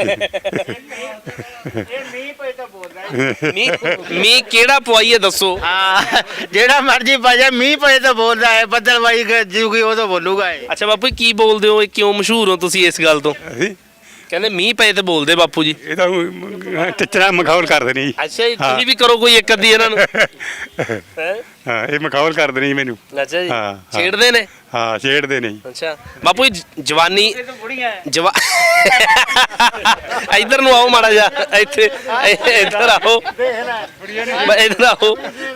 ਮੀਂਹ ਕਿਹੜਾ ਪਵਾਈਏ ਦੱਸੋ?
ਹਾਂ ਜਿਹੜਾ ਮਰਜੀ ਪਾਜਾ, ਮੀਂਹ ਪਏ ਤਾਂ ਬੋਲਦਾ ਹੈ, ਬੱਦਲਵਾਈ ਜੂਗੀ ਉਹ ਤਾਂ ਬੋਲੂਗਾ ਇਹ।
ਅੱਛਾ ਬਾਪੂ ਜੀ, ਕੀ ਬੋਲਦੇ ਹੋ? ਇਹ ਕਿਉਂ ਮਸ਼ਹੂਰ ਹੋ ਤੁਸੀਂ ਇਸ ਗੱਲ ਤੋਂ?
ਅਸੀਂ
ਕਹਿੰਦੇ ਮੀਂਹ ਪਏ ਤੇ ਬੋਲਦੇ ਬਾਪੂ ਜੀ।
ਇਹ ਤਾਂ ਟਿੱਚਰਾ ਮਖੌਲ ਕਰਦੇ ਨੇ ਜੀ।
ਅੱਛਾ ਜੀ, ਤੁਸੀਂ ਵੀ ਕਰੋ ਕੋਈ ਇੱਕ ਅੱਧੀ ਇਹਨਾਂ ਨੂੰ।
ਹਾਂ ਇਹ ਮਖੌਲ ਕਰਦੇ ਨੇ ਜੀ ਮੈਨੂੰ।
ਅੱਛਾ ਜੀ,
ਹਾਂ, ਹਾਂ।
ਛੇੜਦੇ ਨੇ?
ਹਾਂ ਛੇੜਦੇ ਨੇ ਜੀ।
ਅੱਛਾ ਬਾਪੂ ਜੀ, ਜਵਾਨੀ ਇੱਧਰ ਨੂੰ ਆਓ ਮਾੜਾ ਜਿਹਾ, ਇੱਥੇ ਇੱਧਰ ਆਓ, ਇੱਧਰ ਆਓ।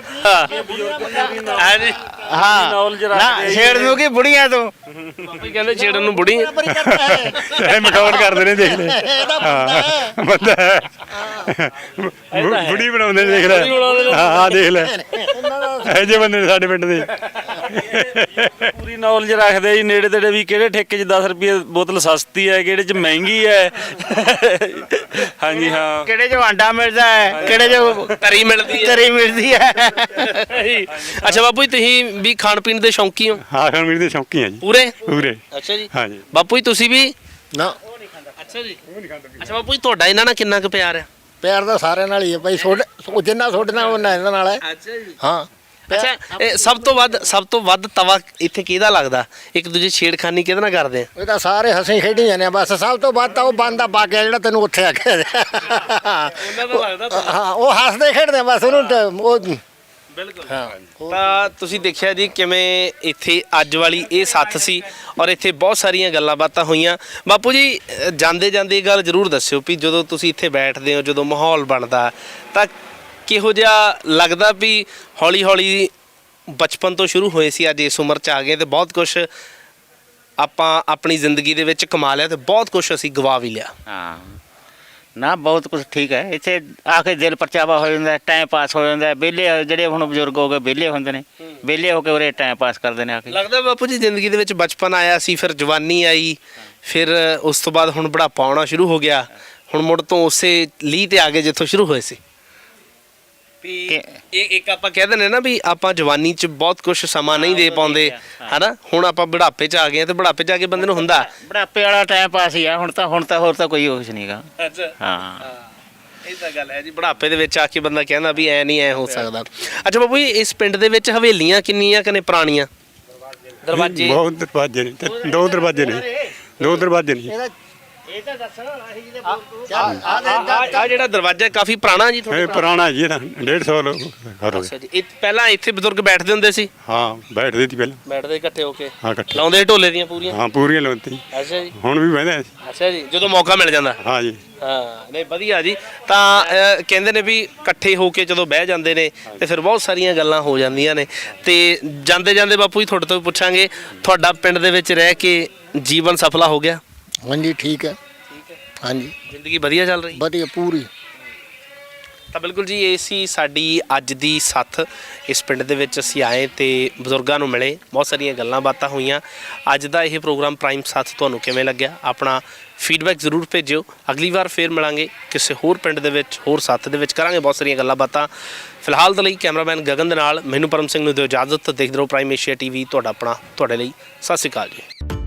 ਹਾਂ ਨਾ ਛੇੜ ਦੂਗੀ ਬੁੜੀਆਂ ਤੋਂ।
ਬਾਪੂ ਕਹਿੰਦੇ ਛੇੜਨ ਨੂੰ ਬੁੜੀ।
ਇਹ ਮਖੌਲ ਕਰਦੇ ਨੇ, ਦੇਖ ਲੈ। ਹਾਂ ਬੰਦਾ ਹੈ। ਬੁੜੀ ਬਣਾਉਂਦੇ ਨੇ, ਦੇਖ ਲੈ। ਹਾਂ ਦੇਖ ਲੈ, ਇਹੋ ਜਿਹੇ ਬੰਦੇ ਨੇ ਸਾਡੇ ਪਿੰਡ ਦੇ।
ਪੂਰੀ ਨੌਲੇਜ ਰੱਖਦੇ ਜੀ, ਨੇੜੇ ਤੇੜੇ ਵੀ ਕਿਹੜੇ ਠੇਕੇ 'ਚ 10 ਰੁਪਏ ਬੋਤਲ ਸਸਤੀ ਹੈ, ਕਿਹੜੇ 'ਚ ਮਹਿੰਗੀ ਹੈ। ਹਾਂਜੀ ਹਾਂ।
ਕਿਹੜੇ ਜੋ ਆਂਡਾ ਮਿਲਦਾ ਹੈ, ਕਿਹੜੇ ਜੋ
ਤਰੀ ਮਿਲਦੀ ਹੈ।
ਤਰੀ ਮਿਲਦੀ ਹੈ।
ਅੱਛਾ ਬਾਪੂ ਜੀ, ਤੁਸੀਂ ਵੀ ਖਾਣ ਪੀਣ ਦੇ ਸ਼ੌਂਕੀ ਹੋ?
ਹਾਂ ਖਾਣ ਪੀਣ ਦੇ ਸ਼ੌਂਕੀ ਆ ਜੀ
ਪੂਰੇ?
ਪੂਰੇ।
ਅੱਛਾ ਜੀ।
ਹਾਂਜੀ।
ਬਾਪੂ ਜੀ ਤੁਸੀਂ ਵੀ?
ਨਾ
ਅੱਛਾ ਜੀ। ਅੱਛਾ ਬਾਪੂ ਜੀ, ਤੁਹਾਡਾ ਇਹਨਾਂ ਨਾਲ ਕਿੰਨਾ ਕੁ ਪਿਆਰ ਹੈ?
ਪਿਆਰ ਤਾਂ ਸਾਰਿਆਂ ਨਾਲ ਹੀ ਹੈ ਭਾਈ, ਜਿੰਨਾ ਤੁਹਾਡੇ ਨਾਲ ਉਹਨਾਂ ਇਹਨਾਂ ਨਾਲ ਹੈ।
ਅੱਛਾ ਜੀ।
ਹਾਂ
ਅੱਛਾ, ਇਹ ਸਭ ਤੋਂ ਵੱਧ ਤਵਾ ਇੱਥੇ ਕਿਹਦਾ ਲੱਗਦਾ? ਇੱਕ ਦੂਜੇ ਛੇੜਖਾਨੀ ਕਿਹਦੇ ਨਾਲ ਕਰਦੇ ਆ?
ਇਹ ਤਾਂ ਸਾਰੇ ਹੱਸੀ ਖੇਡੀ ਜਾਂਦੇ ਆ ਬਸ। ਸਭ ਤੋਂ ਵੱਧ ਤਾਂ ਉਹ ਬੰਦਾ ਪਾ ਕੇ ਜਿਹੜਾ ਤੈਨੂੰ ਉੱਥੇ ਆ ਕੇ
ਉਹਨਾਂ ਦਾ ਲੱਗਦਾ
ਹਾਂ, ਉਹ ਹੱਸਦੇ ਖੇਡਦੇ ਆ ਬਸ ਉਹਨੂੰ ਉਹ।
ਬਿਲਕੁਲ। ਤਾਂ ਤੁਸੀਂ ਦੇਖਿਆ ਜੀ ਕਿਵੇਂ ਇੱਥੇ ਅੱਜ ਵਾਲੀ ਇਹ ਸੱਥ ਸੀ ਔਰ ਇੱਥੇ ਬਹੁਤ ਸਾਰੀਆਂ ਗੱਲਾਂ ਬਾਤਾਂ ਹੋਈਆਂ। ਬਾਪੂ ਜੀ ਜਾਂਦੇ ਜਾਂਦੇ ਇਹ ਗੱਲ ਜ਼ਰੂਰ ਦੱਸਿਓ ਵੀ ਜਦੋਂ ਤੁਸੀਂ ਇੱਥੇ ਬੈਠਦੇ ਹੋ, ਜਦੋਂ ਮਾਹੌਲ ਬਣਦਾ ਤਾਂ ਕਿਹੋ ਜਿਹਾ ਲੱਗਦਾ ਵੀ ਹੌਲੀ ਹੌਲੀ ਬਚਪਨ ਤੋਂ ਸ਼ੁਰੂ ਹੋਏ ਸੀ, ਅੱਜ ਇਸ ਉਮਰ 'ਚ ਆ ਗਏ ਤੇ ਬਹੁਤ ਕੁਝ ਆਪਾਂ ਆਪਣੀ ਜ਼ਿੰਦਗੀ ਦੇ ਵਿੱਚ ਕਮਾ ਲਿਆ ਤੇ ਬਹੁਤ ਕੁਝ ਅਸੀਂ ਗਵਾ ਵੀ ਲਿਆ।
ਹਾਂ ਨਾ ਬਹੁਤ ਕੁਝ ਠੀਕ ਹੈ ਇੱਥੇ ਆ ਕੇ ਦਿਲ ਪਰਚਾਵਾ ਹੋ ਜਾਂਦਾ ਟਾਈਮ ਪਾਸ ਹੋ ਜਾਂਦਾ ਵਿਹਲੇ ਜਿਹੜੇ ਹੁਣ ਬਜ਼ੁਰਗ ਹੋ ਗਏ ਵਿਹਲੇ ਹੁੰਦੇ ਨੇ ਵਿਹਲੇ ਹੋ ਕੇ ਉਰੇ ਟਾਈਮ ਪਾਸ ਕਰਦੇ ਨੇ ਆ ਕੇ
ਲੱਗਦਾ ਬਾਪੂ ਜੀ ਜ਼ਿੰਦਗੀ ਦੇ ਵਿੱਚ ਬਚਪਨ ਆਇਆ ਸੀ, ਫਿਰ ਜਵਾਨੀ ਆਈ, ਫਿਰ ਉਸ ਤੋਂ ਬਾਅਦ ਹੁਣ ਬੁਢਾਪਾ ਆਉਣਾ ਸ਼ੁਰੂ ਹੋ ਗਿਆ, ਹੁਣ ਮੁੜ ਤੋਂ ਉਸੇ ਲੀਹ ਤੇ ਆ ਗਏ ਜਿੱਥੋਂ ਸ਼ੁਰੂ ਹੋਏ ਸੀ। ਵੀ ਇਹ ਇੱਕ ਆਪਾਂ ਕਹਿ ਦਿੰਦੇ ਨਾ ਵੀ ਆਪਾਂ ਜਵਾਨੀ 'ਚ ਬਹੁਤ ਕੁਝ ਸਮਾਂ ਨਹੀਂ ਦੇ ਪਾਉਂਦੇ ਹਨਾ, ਹੁਣ ਆਪਾਂ ਬੁਢਾਪੇ 'ਚ ਆ ਗਏ ਤੇ ਬੁਢਾਪੇ 'ਚ ਆ ਕੇ ਬੰਦੇ ਨੂੰ ਹੁੰਦਾ
ਬੁਢਾਪੇ ਵਾਲਾ ਟਾਈਮ ਪਾਸ ਹੀ ਆ ਹੁਣ ਤਾਂ ਹੋਰ ਤਾਂ ਕੋਈ ਕੁਛ ਨਹੀਂਗਾ।
ਅੱਛਾ
ਹਾਂ
ਇਹ ਤਾਂ ਗੱਲ ਹੈ ਜੀ, ਬੁਢਾਪੇ ਦੇ ਵਿੱਚ ਆ ਕੇ ਬੰਦਾ ਕਹਿੰਦਾ ਵੀ ਐ ਨਹੀਂ ਐ ਹੋ ਸਕਦਾ। ਅੱਛਾ ਬਾਬੂ ਜੀ, ਇਸ ਪਿੰਡ ਦੇ ਵਿੱਚ ਹਵੇਲੀਆਂ ਕਿੰਨੀਆਂ ਕਨੇ ਪੁਰਾਣੀਆਂ? ਦਰਵਾਜ਼ੇ
ਬਹੁਤ ਦਰਵਾਜ਼ੇ ਨੇ ਤੇ 2 ਦਰਵਾਜ਼ੇ ਨੇ 2 ਦਰਵਾਜ਼ੇ ਨੇ।
ਇਹ ਤਾਂ ਦੱਸੋ
ਆ ਜਿਹੜਾ ਦਰਵਾਜ਼ਾ ਕਾਫੀ ਪੁਰਾਣਾ ਜੀ
ਇਹ ਪੁਰਾਣਾ ਜੀ ਨਾ 150 ਲੋਕ ਘਰ ਹੋ
ਅੱਛਾ ਜੀ, ਇਹ ਪਹਿਲਾਂ ਇੱਥੇ ਬਜ਼ੁਰਗ ਬੈਠਦੇ ਹੁੰਦੇ ਸੀ?
ਹਾਂ ਬੈਠਦੇ ਸੀ ਪਹਿਲਾਂ।
ਬੈਠਦੇ ਇਕੱਠੇ ਹੋ ਕੇ
ਹਾਂ ਇਕੱਠੇ
ਲਾਉਂਦੇ ਢੋਲੇ ਦੀਆਂ ਪੂਰੀਆਂ?
ਹਾਂ ਪੂਰੀਆਂ ਲਾਉਂਦੇ।
ਅੱਛਾ ਜੀ।
ਹੁਣ ਵੀ ਬਹਿੰਦੇ ਅਸੀਂ।
ਅੱਛਾ ਜੀ, ਜਦੋਂ ਮੌਕਾ ਮਿਲ ਜਾਂਦਾ।
ਹਾਂ ਜੀ।
ਹਾਂ ਨਹੀਂ ਵਧੀਆ ਜੀ। ਤਾਂ ਕਹਿੰਦੇ ਨੇ ਵੀ ਇਕੱਠੇ ਹੋ ਕੇ ਜਦੋਂ ਬਹਿ ਜਾਂਦੇ ਨੇ ਤੇ ਫਿਰ ਬਹੁਤ ਸਾਰੀਆਂ ਗੱਲਾਂ ਹੋ ਜਾਂਦੀਆਂ ਨੇ। ਤੇ ਜਾਂਦੇ ਜਾਂਦੇ ਬਾਪੂ ਜੀ ਤੁਹਾਡੇ ਤੋਂ ਵੀ ਪੁੱਛਾਂਗੇ, ਤੁਹਾਡਾ ਪਿੰਡ ਦੇ ਵਿੱਚ ਰਹਿ ਕੇ ਜੀਵਨ ਸਫਲਾ ਹੋ ਗਿਆ?
ਹਾਂਜੀ ਠੀਕ ਹੈ। ਹਾਂਜੀ
ਜ਼ਿੰਦਗੀ ਵਧੀਆ ਚੱਲ ਰਹੀ?
ਵਧੀਆ ਪੂਰੀ।
ਤਾਂ ਬਿਲਕੁਲ ਜੀ, ਇਹ ਸੀ ਸਾਡੀ ਅੱਜ ਦੀ ਸੱਥ। ਇਸ ਪਿੰਡ ਦੇ ਵਿੱਚ ਅਸੀਂ ਆਏ ਤੇ ਬਜ਼ੁਰਗਾਂ ਨੂੰ ਮਿਲੇ, ਬਹੁਤ ਸਾਰੀਆਂ ਗੱਲਾਂ ਬਾਤਾਂ ਹੋਈਆਂ। ਅੱਜ ਦਾ ਇਹ ਪ੍ਰੋਗਰਾਮ ਪ੍ਰਾਈਮ ਸਾਥ ਤੁਹਾਨੂੰ ਕਿਵੇਂ ਲੱਗਿਆ? ਆਪਣਾ ਫੀਡਬੈਕ ਜ਼ਰੂਰ ਭੇਜਿਓ। ਅਗਲੀ ਵਾਰ ਫੇਰ ਮਿਲਾਂਗੇ ਕਿਸੇ ਹੋਰ ਪਿੰਡ ਦੇ ਵਿੱਚ, ਹੋਰ ਸਾਥ ਦੇ ਵਿੱਚ, ਕਰਾਂਗੇ ਬਹੁਤ ਸਾਰੀਆਂ ਗੱਲਾਂ ਬਾਤਾਂ। ਫਿਲਹਾਲ ਦੇ ਲਈ ਕੈਮਰਾਮੈਨ ਗਗਨ ਦੇ ਨਾਲ ਮੈਨੂੰ ਪਰਮ ਸਿੰਘ ਨੂੰ ਦਿਓ ਇਜਾਜ਼ਤ। ਦੇਖਦੇ ਰਹੋ ਪ੍ਰਾਈਮ ਏਸ਼ੀਆ TV, ਤੁਹਾਡਾ ਆਪਣਾ, ਤੁਹਾਡੇ ਲਈ। ਸਤਿ ਸ਼੍ਰੀ ਅਕਾਲ ਜੀ।